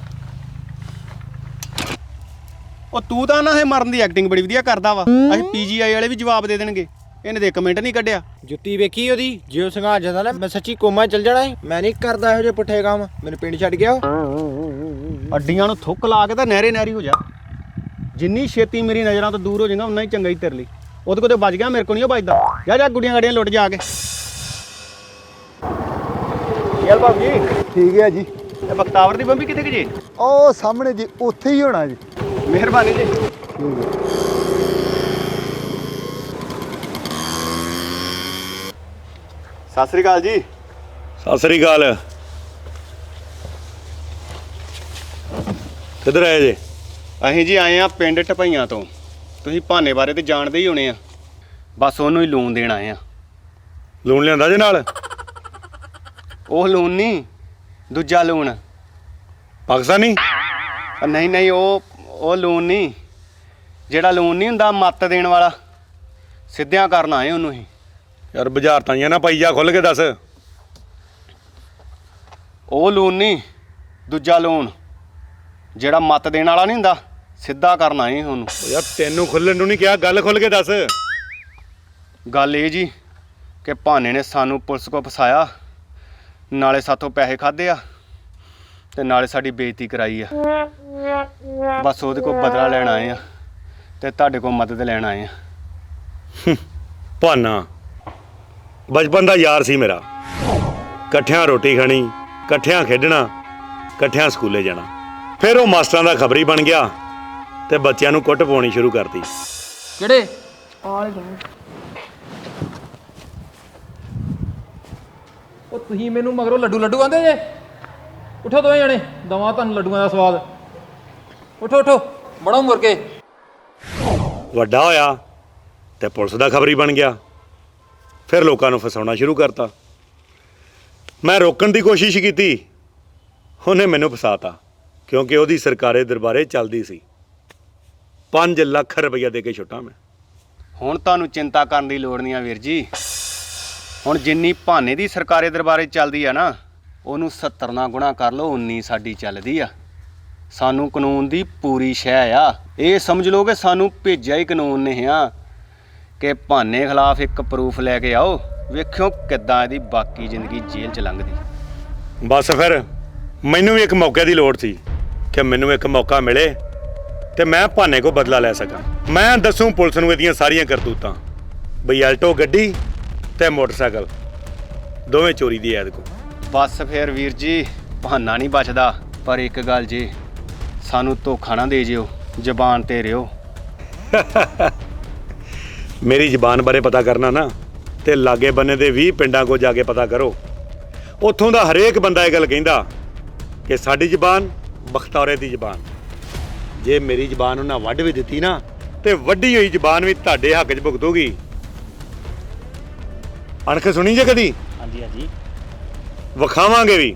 [SPEAKER 2] ਉਹ ਤੂੰ ਤਾਂ ਨਾ ਇਹ ਮਰਨ ਦੀ ਐਕਟਿੰਗ ਬੜੀ ਵਧੀਆ ਕਰਦਾ ਵਾ। ਅਸੀਂ ਪੀਜੀਆਈ ਵਾਲੇ ਵੀ ਜਵਾਬ ਦੇ ਦੇਣਗੇ। ਇਹਨੇ ਤੇ 1 ਮਿੰਟ ਨਹੀਂ ਕੱਢਿਆ।
[SPEAKER 5] ਜੁੱਤੀ ਵੇਖੀ ਉਹਦੀ? ਜੇ ਉਹ ਸੰਘਾ ਜਾਂਦਾ ਨਾ, ਮੈਂ ਸੱਚੀ ਕੋਮਾ ਚੱਲ ਜਾਣਾ ਸੀ। ਮੈਂ ਨਹੀਂ ਕਰਦਾ ਇਹੋ ਜਿਹੇ ਪੁੱਠੇ ਕੰਮ। ਮੈਨੂੰ ਪਿੰਡ ਛੱਡ ਗਿਆ।
[SPEAKER 2] ਅੱਡੀਆਂ ਨੂੰ ਥੁੱਕ ਲਾ ਕੇ ਤਾਂ ਨਹਿਰੀ ਹੋ ਜਾ। ਜਿੰਨੀ ਛੇਤੀ ਮੇਰੀ ਨਜ਼ਰਾਂ ਤੋਂ ਦੂਰ ਹੋ ਜਾਏਗਾ ਉਨਾ ਹੀ ਚੰਗਾ ਹੀ ਤੇਰੇ ਲਈ। ਉਹਦੇ ਕੋਲ ਤੇ ਬਚ ਗਿਆ, ਮੇਰੇ ਕੋਲ ਨਹੀਂ ਉਹ ਬਚਦਾ। ਜਾ ਗੁੱਡੀਆਂ ਗਾੜੀਆਂ ਲੁੱਟ ਜਾ ਕੇ। ਯਾਰ ਬਾਬੂ ਜੀ,
[SPEAKER 7] ਠੀਕ ਹੈ ਜੀ।
[SPEAKER 2] ਇਹ ਬਖਤਾਵਰ ਦੀ ਬੰਬੀ ਕਿੱਥੇ ਗਈ ਜੀ?
[SPEAKER 7] ਉਹ ਸਾਹਮਣੇ ਜੀ, ਉੱਥੇ ਹੀ ਹੋਣਾ ਜੀ।
[SPEAKER 2] ਮਿਹਰਬਾਨੀ ਜੀ। ਸਤਿ ਸ੍ਰੀ ਅਕਾਲ ਜੀ।
[SPEAKER 6] ਸਤਿ ਸ੍ਰੀ ਅਕਾਲ। ਕਿੱਧਰ ਆਏ ਜੇ?
[SPEAKER 2] ਅਸੀਂ ਜੀ ਆਏ ਆ ਪਿੰਡ ਟਪਈਆਂ ਤੋਂ। ਤੁਸੀਂ ਭਾਨੇ ਬਾਰੇ ਤੇ ਜਾਣਦੇ ਹੀ ਹੋਣੇ ਆ। ਬਸ ਉਹਨੂੰ ਹੀ ਲੋਨ ਦੇਣ ਆਏ ਆ।
[SPEAKER 6] ਲੂਣ ਲਿਆਂਦਾ ਜੇ ਨਾਲ?
[SPEAKER 2] ਉਹ ਲੋਨ ਨਹੀਂ, ਦੂਜਾ ਲੋਨ।
[SPEAKER 6] ਪਾਕਿਸਤਾਨੀ?
[SPEAKER 2] ਨਹੀਂ ਉਹ ਲੋਨ ਨਹੀਂ, ਜਿਹੜਾ ਲੋਨ ਨਹੀਂ ਹੁੰਦਾ ਮੱਤ ਦੇਣ ਵਾਲਾ, ਸਿੱਧਿਆਂ ਕਰਨ ਆਏ ਉਹਨੂੰ ਹੀ।
[SPEAKER 6] ਯਾਰ ਬਾਜ਼ਾਰ ਤਾਂ ਨਾ ਪਾਈ ਜਾ, ਖੁੱਲ ਕੇ ਦੱਸ।
[SPEAKER 2] ਉਹ ਲੋਨ ਨਹੀਂ, ਦੂਜਾ ਲੋਨ ਜਿਹੜਾ ਮੱਤ ਦੇਣ ਵਾਲਾ ਨਹੀਂ ਹੁੰਦਾ, ਸਿੱਧਾ ਕਰਨ ਆਏ ਉਹਨੂੰ।
[SPEAKER 6] ਯਾਰ ਤੈਨੂੰ ਖੁੱਲਣ ਨੂੰ ਨਹੀਂ ਕਿਹਾ, ਗੱਲ ਖੁੱਲ ਕੇ ਦੱਸ।
[SPEAKER 2] ਗੱਲ ਇਹ ਜੀ ਕਿ ਭਾਨੇ ਨੇ ਸਾਨੂੰ ਪੁਲਿਸ ਕੋਲ ਫਸਾਇਆ, ਨਾਲੇ ਸਾਥੋਂ ਪੈਸੇ ਖਾਦੇ ਆ ਤੇ ਨਾਲੇ ਸਾਡੀ ਬੇਇੱਜ਼ਤੀ ਕਰਾਈ ਆ। ਬਸ ਉਹਦੇ ਕੋਲ ਬਦਲਾ ਲੈਣ ਆਏ ਆ ਤੇ ਤੁਹਾਡੇ ਕੋਲ ਮਦਦ ਲੈਣ ਆਏ ਆ।
[SPEAKER 6] ਭਾਨਾ
[SPEAKER 8] ਬਚਪਨ ਦਾ ਯਾਰ ਸੀ ਮੇਰਾ। ਇਕੱਠਿਆਂ ਰੋਟੀ ਖਾਣੀ, ਇਕੱਠਿਆਂ ਖੇਡਣਾ, ਇਕੱਠਿਆਂ ਸਕੂਲੇ ਜਾਣਾ। ਫਿਰ ਉਹ ਮਾਸਟਰਾਂ ਦਾ ਖਬਰੀ ਬਣ ਗਿਆ ਤੇ ਬੱਚਿਆਂ ਨੂੰ ਕੁੱਟ ਪਾਉਣੀ ਸ਼ੁਰੂ ਕਰਤੀ।
[SPEAKER 3] ਕਿਹੜੇ
[SPEAKER 9] ਉਹ ਤੁਸੀਂ ਮੈਨੂੰ ਮਗਰੋਂ ਲੱਡੂ ਆਂਦੇ ਜੇ। ਉਠੋ ਦੋਵੇਂ ਜਣੇ, ਦਵਾਂ ਤੁਹਾਨੂੰ ਲੱਡੂਆਂ ਦਾ ਸਵਾਦ। ਉਠੋ ਬੜੋ ਮੁਰਗੇ।
[SPEAKER 8] ਵੱਡਾ ਹੋਇਆ ਤੇ ਪੁਲਿਸ ਦਾ ਖਬਰੀ ਬਣ ਗਿਆ। ਫਿਰ ਲੋਕਾਂ ਨੂੰ ਫਸਾਉਣਾ ਸ਼ੁਰੂ ਕਰਤਾ। ਮੈਂ ਰੋਕਣ ਦੀ ਕੋਸ਼ਿਸ਼ ਕੀਤੀ, ਉਹਨੇ ਮੈਨੂੰ ਫਸਾਤਾ, ਕਿਉਂਕਿ ਉਹਦੀ ਸਰਕਾਰੇ ਦਰਬਾਰੇ ਚੱਲਦੀ ਸੀ। 5 ਲੱਖ ਰੁਪਈਆ ਦੇ ਕੇ ਛੁੱਟਾਂ ਮੈਂ।
[SPEAKER 2] ਹੁਣ ਤੁਹਾਨੂੰ ਚਿੰਤਾ ਕਰਨ ਦੀ ਲੋੜ ਨਹੀਂ ਆ ਵੀਰ ਜੀ। ਹੁਣ ਜਿੰਨੀ ਭਾਨੇ ਦੀ ਸਰਕਾਰੇ ਦਰਬਾਰੇ ਚੱਲਦੀ ਆ ਨਾ, ਉਹਨੂੰ 70 ਨਾਲ ਗੁਣਾ ਕਰ ਲਓ, 19 ਸਾਡੀ ਚੱਲਦੀ ਆ। ਸਾਨੂੰ ਕਾਨੂੰਨ ਦੀ ਪੂਰੀ ਸ਼ਹਿ ਆ। ਇਹ ਸਮਝ ਲਓ ਕਿ ਸਾਨੂੰ ਭੇਜਿਆ ਹੀ ਕਾਨੂੰਨ ਨੇ ਆ ਕਿ ਭਾਨੇ ਖਿਲਾਫ ਇੱਕ ਪ੍ਰੂਫ ਲੈ ਕੇ ਆਓ, ਵੇਖਿਓ ਕਿੱਦਾਂ ਇਹਦੀ ਬਾਕੀ ਜ਼ਿੰਦਗੀ ਜੇਲ੍ਹ 'ਚ ਲੰਘਦੀ।
[SPEAKER 8] ਬਸ ਫਿਰ ਮੈਨੂੰ ਵੀ ਇੱਕ ਮੌਕੇ ਦੀ ਲੋੜ ਸੀ ਕਿ ਮੈਨੂੰ ਇੱਕ ਮੌਕਾ ਮਿਲੇ ਤੇ ਮੈਂ ਭਾਨੇ ਕੋ ਬਦਲਾ ਲੈ ਸਕਾਂ। ਮੈਂ ਦੱਸੂੰ ਪੁਲਿਸ ਨੂੰ ਇਹਦੀਆਂ ਸਾਰੀਆਂ ਕਰਤੂਤਾਂ। ਬਈ ਆਲਟੋ ਗੱਡੀ ਤੇ ਮੋਟਰਸਾਈਕਲ ਦੋਵੇਂ ਚੋਰੀ ਦੀ ਐਦ ਕੋ।
[SPEAKER 2] ਬਸ ਫਿਰ ਵੀਰ ਜੀ, ਬਹਾਨਾ ਨਹੀਂ ਬਚਦਾ। ਪਰ ਇੱਕ ਗੱਲ ਜੀ, ਸਾਨੂੰ ਧੋਖਾ ਨਾ ਦੇ ਜਿਓ, ਜ਼ਬਾਨ ਤੇ ਰਿਓ।
[SPEAKER 8] ਮੇਰੀ ਜ਼ਬਾਨ ਬਾਰੇ ਪਤਾ ਕਰਨਾ ਨਾ, ਤੇ ਲਾਗੇ ਬੰਨੇ ਦੇ 20 ਪਿੰਡਾਂ ਕੋ ਜਾ ਕੇ ਪਤਾ ਕਰੋ। ਉੱਥੋਂ ਦਾ ਹਰੇਕ ਬੰਦਾ ਇਹ ਗੱਲ ਕਹਿੰਦਾ ਕਿ ਸਾਡੀ ਜ਼ਬਾਨ ਬਖਤੌਰੇ ਦੀ ਜ਼ਬਾਨ। ਜੇ ਮੇਰੀ ਜ਼ਬਾਨ ਉਹਨਾਂ ਵੱਢ ਵੀ ਦਿੱਤੀ ਨਾ, ਤੇ ਵੱਢੀ ਹੋਈ ਜ਼ਬਾਨ ਵੀ ਤੁਹਾਡੇ ਹੱਕ 'ਚ ਭੁਗਤੂਗੀ। ਅਣਖ ਸੁਣੀ ਜੇ ਕਦੀ?
[SPEAKER 1] ਹਾਂਜੀ ਹਾਂਜੀ
[SPEAKER 8] ਵਿਖਾਵਾਂਗੇ ਵੀ।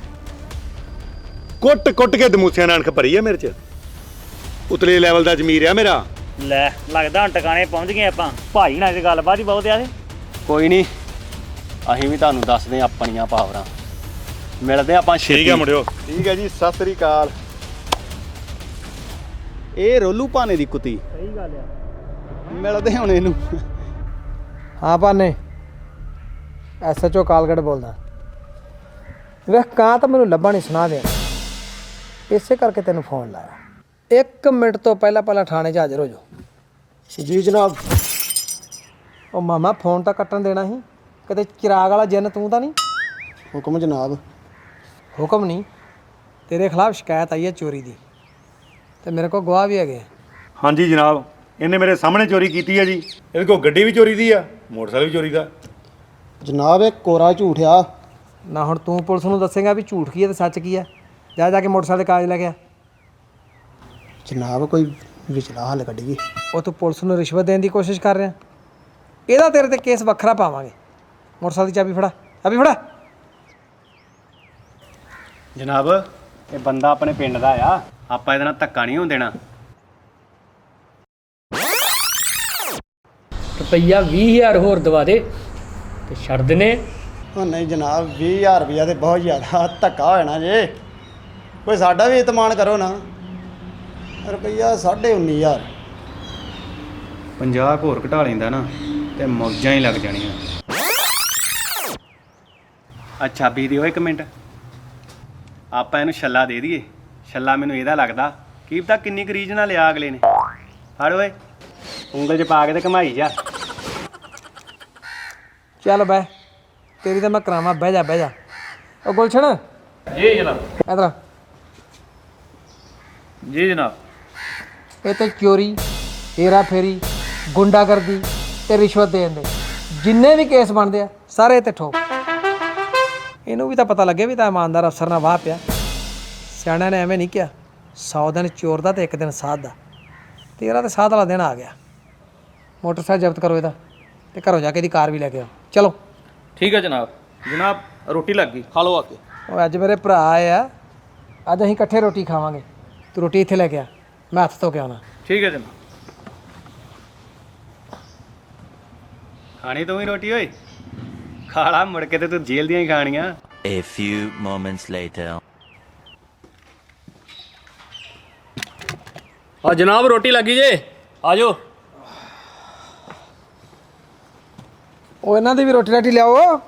[SPEAKER 8] ਕੁੱਟ ਕੇ ਦਮੂਸਿਆਂ ਨਾਲ ਅਣਖ ਭਰੀ ਆ ਮੇਰੇ 'ਚ। ਉਤਲੇ ਲੈਵਲ ਦਾ ਜ਼ਮੀਰ ਆ ਮੇਰਾ।
[SPEAKER 1] ਲੈ ਲੱਗਦਾ ਹੁਣ ਟਿਕਾਣੇ ਪਹੁੰਚ ਗਏ ਆਪਾਂ। ਭਾਈ ਨਾਲ ਤੇ ਗੱਲਬਾਤ ਹੀ ਬਹੁਤ ਆ।
[SPEAKER 2] ਕੋਈ ਨਹੀਂ, ਅਸੀਂ ਵੀ ਤੁਹਾਨੂੰ ਦੱਸਦੇ ਹਾਂ ਆਪਣੀਆਂ ਪਾਵਰਾਂ। ਮਿਲਦੇ ਆਪਾਂ ਛੇਤੀ।
[SPEAKER 8] ਠੀਕ ਹੈ ਮੁੰਡਿਓ।
[SPEAKER 7] ਠੀਕ ਹੈ ਜੀ, ਸਤਿ ਸ੍ਰੀ ਅਕਾਲ।
[SPEAKER 2] ਇਹ ਰੋਲੂ ਭਾਨੇ ਦੀ ਕੁੱਤੀ।
[SPEAKER 1] ਸਹੀ ਗੱਲ ਆ।
[SPEAKER 2] ਮਿਲਦੇ ਹੁਣ ਇਹਨੂੰ।
[SPEAKER 3] ਹਾਂ ਭਾਨੇ, SHO ਕਾਲਗੜ ਬੋਲਦਾ। ਵੇਖ ਕਾਂ ਤਾਂ ਮੈਨੂੰ ਲੱਭਾ ਨਹੀਂ ਸੁਣਾ ਦੇ, ਇਸੇ ਕਰਕੇ ਤੈਨੂੰ ਫੋਨ ਲਾਇਆ। 1 ਮਿੰਟ ਤੋਂ ਪਹਿਲਾਂ ਥਾਣੇ 'ਚ ਹਾਜ਼ਰ ਹੋ ਜਾਓ।
[SPEAKER 4] ਜੀ ਜਨਾਬ।
[SPEAKER 3] ਉਹ ਮਾਮਾ ਫੋਨ ਤਾਂ ਕੱਟਣ ਦੇਣਾ ਸੀ, ਕਿਤੇ ਚਿਰਾਗ ਵਾਲਾ ਜਿੰਨ ਤੂੰ ਤਾਂ ਨਹੀਂ?
[SPEAKER 4] ਹੁਕਮ ਜਨਾਬ।
[SPEAKER 3] ਹੁਕਮ ਨਹੀਂ, ਤੇਰੇ ਖਿਲਾਫ ਸ਼ਿਕਾਇਤ ਆਈ ਹੈ ਚੋਰੀ ਦੀ, ਤੇ ਮੇਰੇ ਕੋਲ ਗਵਾਹ ਵੀ ਹੈਗੇ।
[SPEAKER 8] ਹਾਂਜੀ ਜਨਾਬ, ਇਹਨੇ ਮੇਰੇ ਸਾਹਮਣੇ ਚੋਰੀ ਕੀਤੀ ਹੈ ਜੀ। ਇਹਦੇ ਕੋਲ ਗੱਡੀ ਵੀ ਚੋਰੀ ਦੀ ਆ, ਮੋਟਰਸਾਈਕਲ ਵੀ ਚੋਰੀ ਦਾ।
[SPEAKER 4] ਜਨਾਬ ਇਹ ਕੋਰਾ ਝੂਠ ਆ।
[SPEAKER 3] ਨਾ ਹੁਣ ਤੂੰ ਪੁਲਿਸ ਨੂੰ ਦੱਸੇਗਾ ਵੀ ਝੂਠ ਕੀ ਹੈ ਤੇ ਸੱਚ ਕੀ ਹੈ? ਜਾ ਕੇ ਮੋਟਰਸਾਈਕਲ ਦੇ ਕਾਗਜ਼ ਲੈ ਕੇ ਆ।
[SPEAKER 4] ਜਨਾਬ ਕੋਈ ਵਿਚਲਾ ਹੱਲ ਕੱਢੀਏ।
[SPEAKER 3] ਉਹ ਤੂੰ ਪੁਲਿਸ ਨੂੰ ਰਿਸ਼ਵਤ ਦੇਣ ਦੀ ਕੋਸ਼ਿਸ਼ ਕਰ ਰਿਹਾ, ਇਹਦਾ ਤੇਰੇ ਤੇ ਕੇਸ ਵੱਖਰਾ ਪਾਵਾਂਗੇ। ਮੋਟਰਸਾਈਕਲ ਦੀ ਚਾਬੀ ਫੜਾ।
[SPEAKER 2] ਜਨਾਬ, ਇਹ ਬੰਦਾ ਆਪਣੇ ਪਿੰਡ ਦਾ ਆ, ਆਪਾਂ ਇਹਦੇ ਨਾਲ ਧੱਕਾ ਨਹੀਂ ਹੋਣ ਦੇਣਾ।
[SPEAKER 9] ਰੁਪਈਆ 20,000 ਹੋਰ ਦਵਾ ਦੇ ਤੇ ਛੱਡ ਦਿਨੇ।
[SPEAKER 4] ਉਹ ਨਹੀਂ ਜਨਾਬ, 20,000 ਰੁਪਇਆ ਤੇ ਬਹੁਤ ਜ਼ਿਆਦਾ ਧੱਕਾ ਹੋ ਜਾਣਾ ਜੇ। ਕੋਈ ਸਾਡਾ ਵੀ ਇਤਮਾਨ ਕਰੋ ਨਾ। ਰੁਪਈਆ 19,500।
[SPEAKER 2] 50 ਹੋਰ ਘਟਾ ਲੈਂਦਾ ਨਾ ਤੇ ਮੌਜਾਂ ਹੀ ਲੱਗ ਜਾਣੀਆਂ। ਅੱਛਾ ਵੀ ਦਿਓ 1 ਮਿੰਟ, ਆਪਾਂ ਇਹਨੂੰ ਛੱਲਾ ਦੇ ਦਈਏ। ਛੱਲਾ ਮੈਨੂੰ ਇਹਦਾ ਲੱਗਦਾ ਕੀ ਪਤਾ ਕਿੰਨੀ ਕੁ ਰੀਝ ਨਾਲ ਲਿਆ ਅਗਲੇ ਨੇ। ਫੜ ਓਏ, ਉਂਗਲ 'ਚ ਪਾ ਕੇ ਤੇ ਘਮਾਈ ਜਾ।
[SPEAKER 3] ਚੱਲ ਬਹਿ, ਤੇਰੀ ਤਾਂ ਮੈਂ ਕਰਾਵਾਂ। ਬਹਿ ਜਾ। ਉਹ ਗੁਲਸ਼ਨ
[SPEAKER 9] ਜੀ ਜਨਾਬ।
[SPEAKER 3] ਇਧਰ
[SPEAKER 9] ਜੀ ਜਨਾਬ।
[SPEAKER 3] ਇਹ ਤੇ ਚੋਰੀ, ਹੇਰਾ ਫੇਰੀ, ਗੁੰਡਾਗਰਦੀ ਤੇ ਰਿਸ਼ਵਤ ਦੇਣ ਦੇ ਜਿੰਨੇ ਵੀ ਕੇਸ ਬਣਦੇ ਆ ਸਾਰੇ ਤੇ ਠੋਕ। ਇਹਨੂੰ ਵੀ ਤਾਂ ਪਤਾ ਲੱਗੇ ਵੀ ਤਾਂ ਇਮਾਨਦਾਰ ਅਫਸਰ ਨਾਲ ਵਾਹ ਪਿਆ। ਸਿਆਣਿਆਂ ਨੇ ਐਵੇਂ ਨਹੀਂ ਕਿਹਾ, 100 ਦਿਨ ਚੋਰ ਦਾ ਤੇ 1 ਦਿਨ ਸਾਧ ਦਾ। ਤੇਰਾ ਤੇ ਸਾਧ ਵਾਲਾ ਦਿਨ ਆ ਗਿਆ। ਮੋਟਰਸਾਈਕਲ ਜ਼ਬਤ ਕਰੋ ਇਹਦਾ, ਤੇ ਘਰੋਂ ਜਾ ਕੇ ਇਹਦੀ ਕਾਰ ਵੀ ਲੈ ਕੇ ਆਓ। ਚਲੋ
[SPEAKER 9] ਠੀਕ ਹੈ ਜਨਾਬ। ਜਨਾਬ ਰੋਟੀ ਲੱਗ ਗਈ, ਖਾ ਲਓ ਆ ਕੇ।
[SPEAKER 3] ਉਹ ਅੱਜ ਮੇਰੇ ਭਰਾ ਆਏ ਆ, ਅੱਜ ਅਸੀਂ ਇਕੱਠੇ ਰੋਟੀ ਖਾਵਾਂਗੇ। ਤੂੰ ਰੋਟੀ ਇੱਥੇ ਲੈ ਕੇ ਆ, ਮੈਂ ਹੱਥ ਧੋ ਕੇ ਆਉਣਾ।
[SPEAKER 9] ਠੀਕ ਹੈ ਜਨਾਬ।
[SPEAKER 2] ਖਾਣੀ ਤੂੰ ਹੀ ਰੋਟੀ ਓਏ? ਖਾ ਲਾ, ਮੁੜ ਕੇ ਤੇ ਤੂੰ ਜੇਲ੍ਹ ਦੀਆਂ ਹੀ ਖਾਣੀਆਂ।
[SPEAKER 10] A few moments later.
[SPEAKER 9] ਆ ਜਨਾਬ ਰੋਟੀ ਲੱਗੀ ਜੇ, ਆ ਜਾਓ।
[SPEAKER 3] ਉਹ ਇਹਨਾਂ ਦੀ ਵੀ ਰੋਟੀ ਰਾਟੀ ਲਿਆਓ।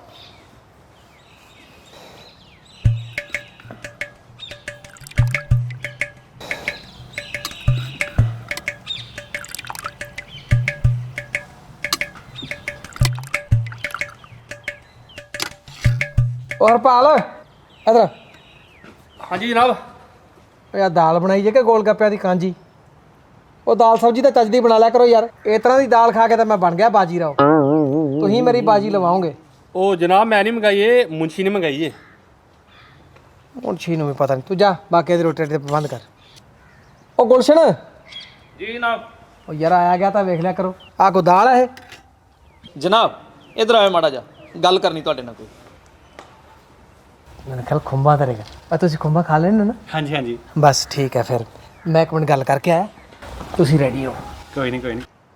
[SPEAKER 3] ਉਹ ਹਰਪਾਲ ਇਧਰ
[SPEAKER 9] ਹਾਂਜੀ ਜਨਾਬ।
[SPEAKER 3] ਉਹ ਯਾਰ ਦਾਲ ਬਣਾਈ ਜੇ ਕਿ ਗੋਲ ਗੱਪਿਆਂ ਦੀ ਕਾਂਜੀ। ਉਹ ਦਾਲ ਸਬਜ਼ੀ ਤਾਂ ਚੱਜਦੀ ਬਣਾ ਲਿਆ ਕਰੋ ਯਾਰ। ਇਸ ਤਰ੍ਹਾਂ ਦੀ ਦਾਲ ਖਾ ਕੇ ਤਾਂ ਮੈਂ ਬਣ ਗਿਆ ਬਾਜੀ ਰਾਓ। ਤੁਸੀਂ ਮੇਰੀ ਬਾਜੀ ਲਵਾਓਗੇ।
[SPEAKER 9] ਉਹ ਜਨਾਬ ਮੈਂ ਨਹੀਂ ਮੰਗਾਈ, ਇਹ ਮੁੰਸ਼ੀ ਨੇ ਮੰਗਾਈ ਏ।
[SPEAKER 3] ਮੁੰਸ਼ੀ ਨੂੰ ਵੀ ਪਤਾ ਨਹੀਂ। ਤੂੰ ਜਾ ਬਾਕੀ ਦੀ ਰੋਟੀ ਦੇ ਪ੍ਰਬੰਧ ਕਰ। ਉਹ ਗੁਲਸ਼ਨ
[SPEAKER 9] ਜੀ ਜਨਾਬ।
[SPEAKER 3] ਉਹ ਯਾਰ ਆਇਆ ਗਿਆ ਤਾਂ ਵੇਖ ਲਿਆ ਕਰੋ। ਆਹ ਕੋ ਦਾਲ ਹੈ ਇਹ?
[SPEAKER 9] ਜਨਾਬ ਇਧਰ ਆਇਓ ਮਾੜਾ ਜਾ, ਗੱਲ ਕਰਨੀ ਤੁਹਾਡੇ ਨਾਲ ਕੋਈ।
[SPEAKER 3] मैंने ख्याल खुंबा तरेगा और तुसी खुंबा खा लेना ना।
[SPEAKER 2] हाँ जी हाँ जी
[SPEAKER 3] बस ठीक है फिर मैं एक मिनट गल करके आया तुसी रेडी हो।
[SPEAKER 2] कोई नहीं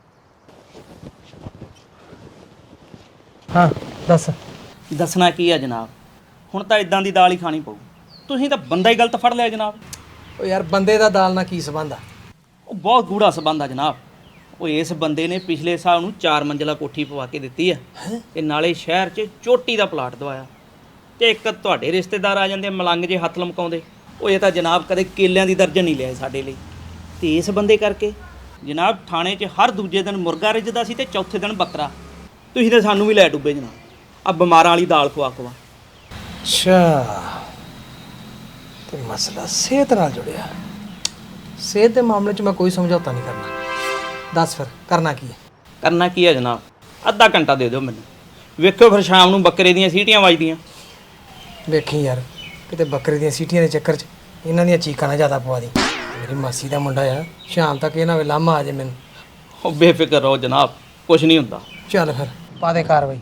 [SPEAKER 3] हाँ दस
[SPEAKER 1] ਦੱਸਣਾ ਕੀ ਆ ਜਨਾਬ, ਹੁਣ ਤਾਂ ਇਦਾਂ ਦੀ ਦਾਲ ਹੀ ਖਾਣੀ ਪਊ। ਤੁਸੀਂ ਤਾਂ ਬੰਦਾ ਹੀ ਗਲਤ ਫੜ ਲਿਆ ਜਨਾਬ।
[SPEAKER 3] ओ यार बंदे दा दाल ना की संबंध आ।
[SPEAKER 1] ਉਹ ਬਹੁਤ ਗੂੜਾ ਸਬੰਧ ਆ ਜਨਾਬ। ਉਹ ਇਸ ਬੰਦੇ ਨੇ ਪਿਛਲੇ ਸਾਲ ਨੂੰ 4 ਮੰਜ਼ਲਾ ਕੋਠੀ ਪਵਾ ਕੇ ਦਿੱਤੀ ਆ ਤੇ ਨਾਲੇ ਸ਼ਹਿਰ 'ਚ ਚੋਟੀ ਦਾ ਪਲਾਟ ਦਵਾਇਆ ਤੇ ਇੱਕ ਤੁਹਾਡੇ ਰਿਸ਼ਤੇਦਾਰ ਆ ਜਾਂਦੇ ਮਲੰਗ ਜੇ ਹੱਥ ਲਮਕਾਉਂਦੇ। ਉਹ ਇਹ ਤਾਂ ਜਨਾਬ ਕਦੇ ਕੇਲਿਆਂ ਦੀ ਦਰਜਨ ਨਹੀਂ ਲਿਆਏ ਸਾਡੇ ਲਈ। ਤੇ ਇਸ ਬੰਦੇ ਕਰਕੇ ਜਨਾਬ ਥਾਣੇ 'ਚ ਹਰ ਦੂਜੇ ਦਿਨ ਮੁਰਗਾ ਰਿੱਝਦਾ ਸੀ ਤੇ ਚੌਥੇ ਦਿਨ ਬੱਕਰਾ। ਤੁਸੀਂ ਤਾਂ ਸਾਨੂੰ ਵੀ ਲੈ ਡੁੱਬੇ ਜਨਾਬ। ਆ ਬਿਮਾਰਾਂ ਵਾਲੀ ਦਾਲ ਖਵਾ ਖਵਾ।
[SPEAKER 3] अच्छा तो मसला सेहत नाल जुड़िया। सेहत के मामले च मैं कोई समझौता नहीं करना। दस फिर करना की है?
[SPEAKER 1] ਕਰਨਾ ਕੀ ਹੈ ਜਨਾਬ, ਅੱਧਾ ਘੰਟਾ ਦੇ ਦਿਓ ਮੈਨੂੰ। ਵੇਖਿਓ ਫਿਰ ਸ਼ਾਮ ਨੂੰ ਬੱਕਰੇ ਦੀਆਂ ਸੀਟੀਆਂ ਵੱਜਦੀਆਂ।
[SPEAKER 3] ਵੇਖੀ ਯਾਰ ਕਿਤੇ ਬੱਕਰੇ ਦੀਆਂ ਸੀਟੀਆਂ ਦੇ ਚੱਕਰ 'ਚ ਇਹਨਾਂ ਦੀਆਂ ਚੀਕਾਂ ਨਾ ਜ਼ਿਆਦਾ ਪਵਾ ਦੀ। ਮੇਰੀ ਮਾਸੀ ਦਾ ਮੁੰਡਾ ਆ, ਸ਼ਾਮ ਤੱਕ ਇਹਨਾਂ ਵੇ ਲਾਮਾ ਆ ਜੇ ਮੈਨੂੰ।
[SPEAKER 1] ਉਹ ਬੇਫਿਕਰ ਰਹੋ ਜਨਾਬ, ਕੁਝ ਨਹੀਂ ਹੁੰਦਾ।
[SPEAKER 3] ਚੱਲ ਫਿਰ ਪਾ ਦੇ ਕਾਰਵਾਈ।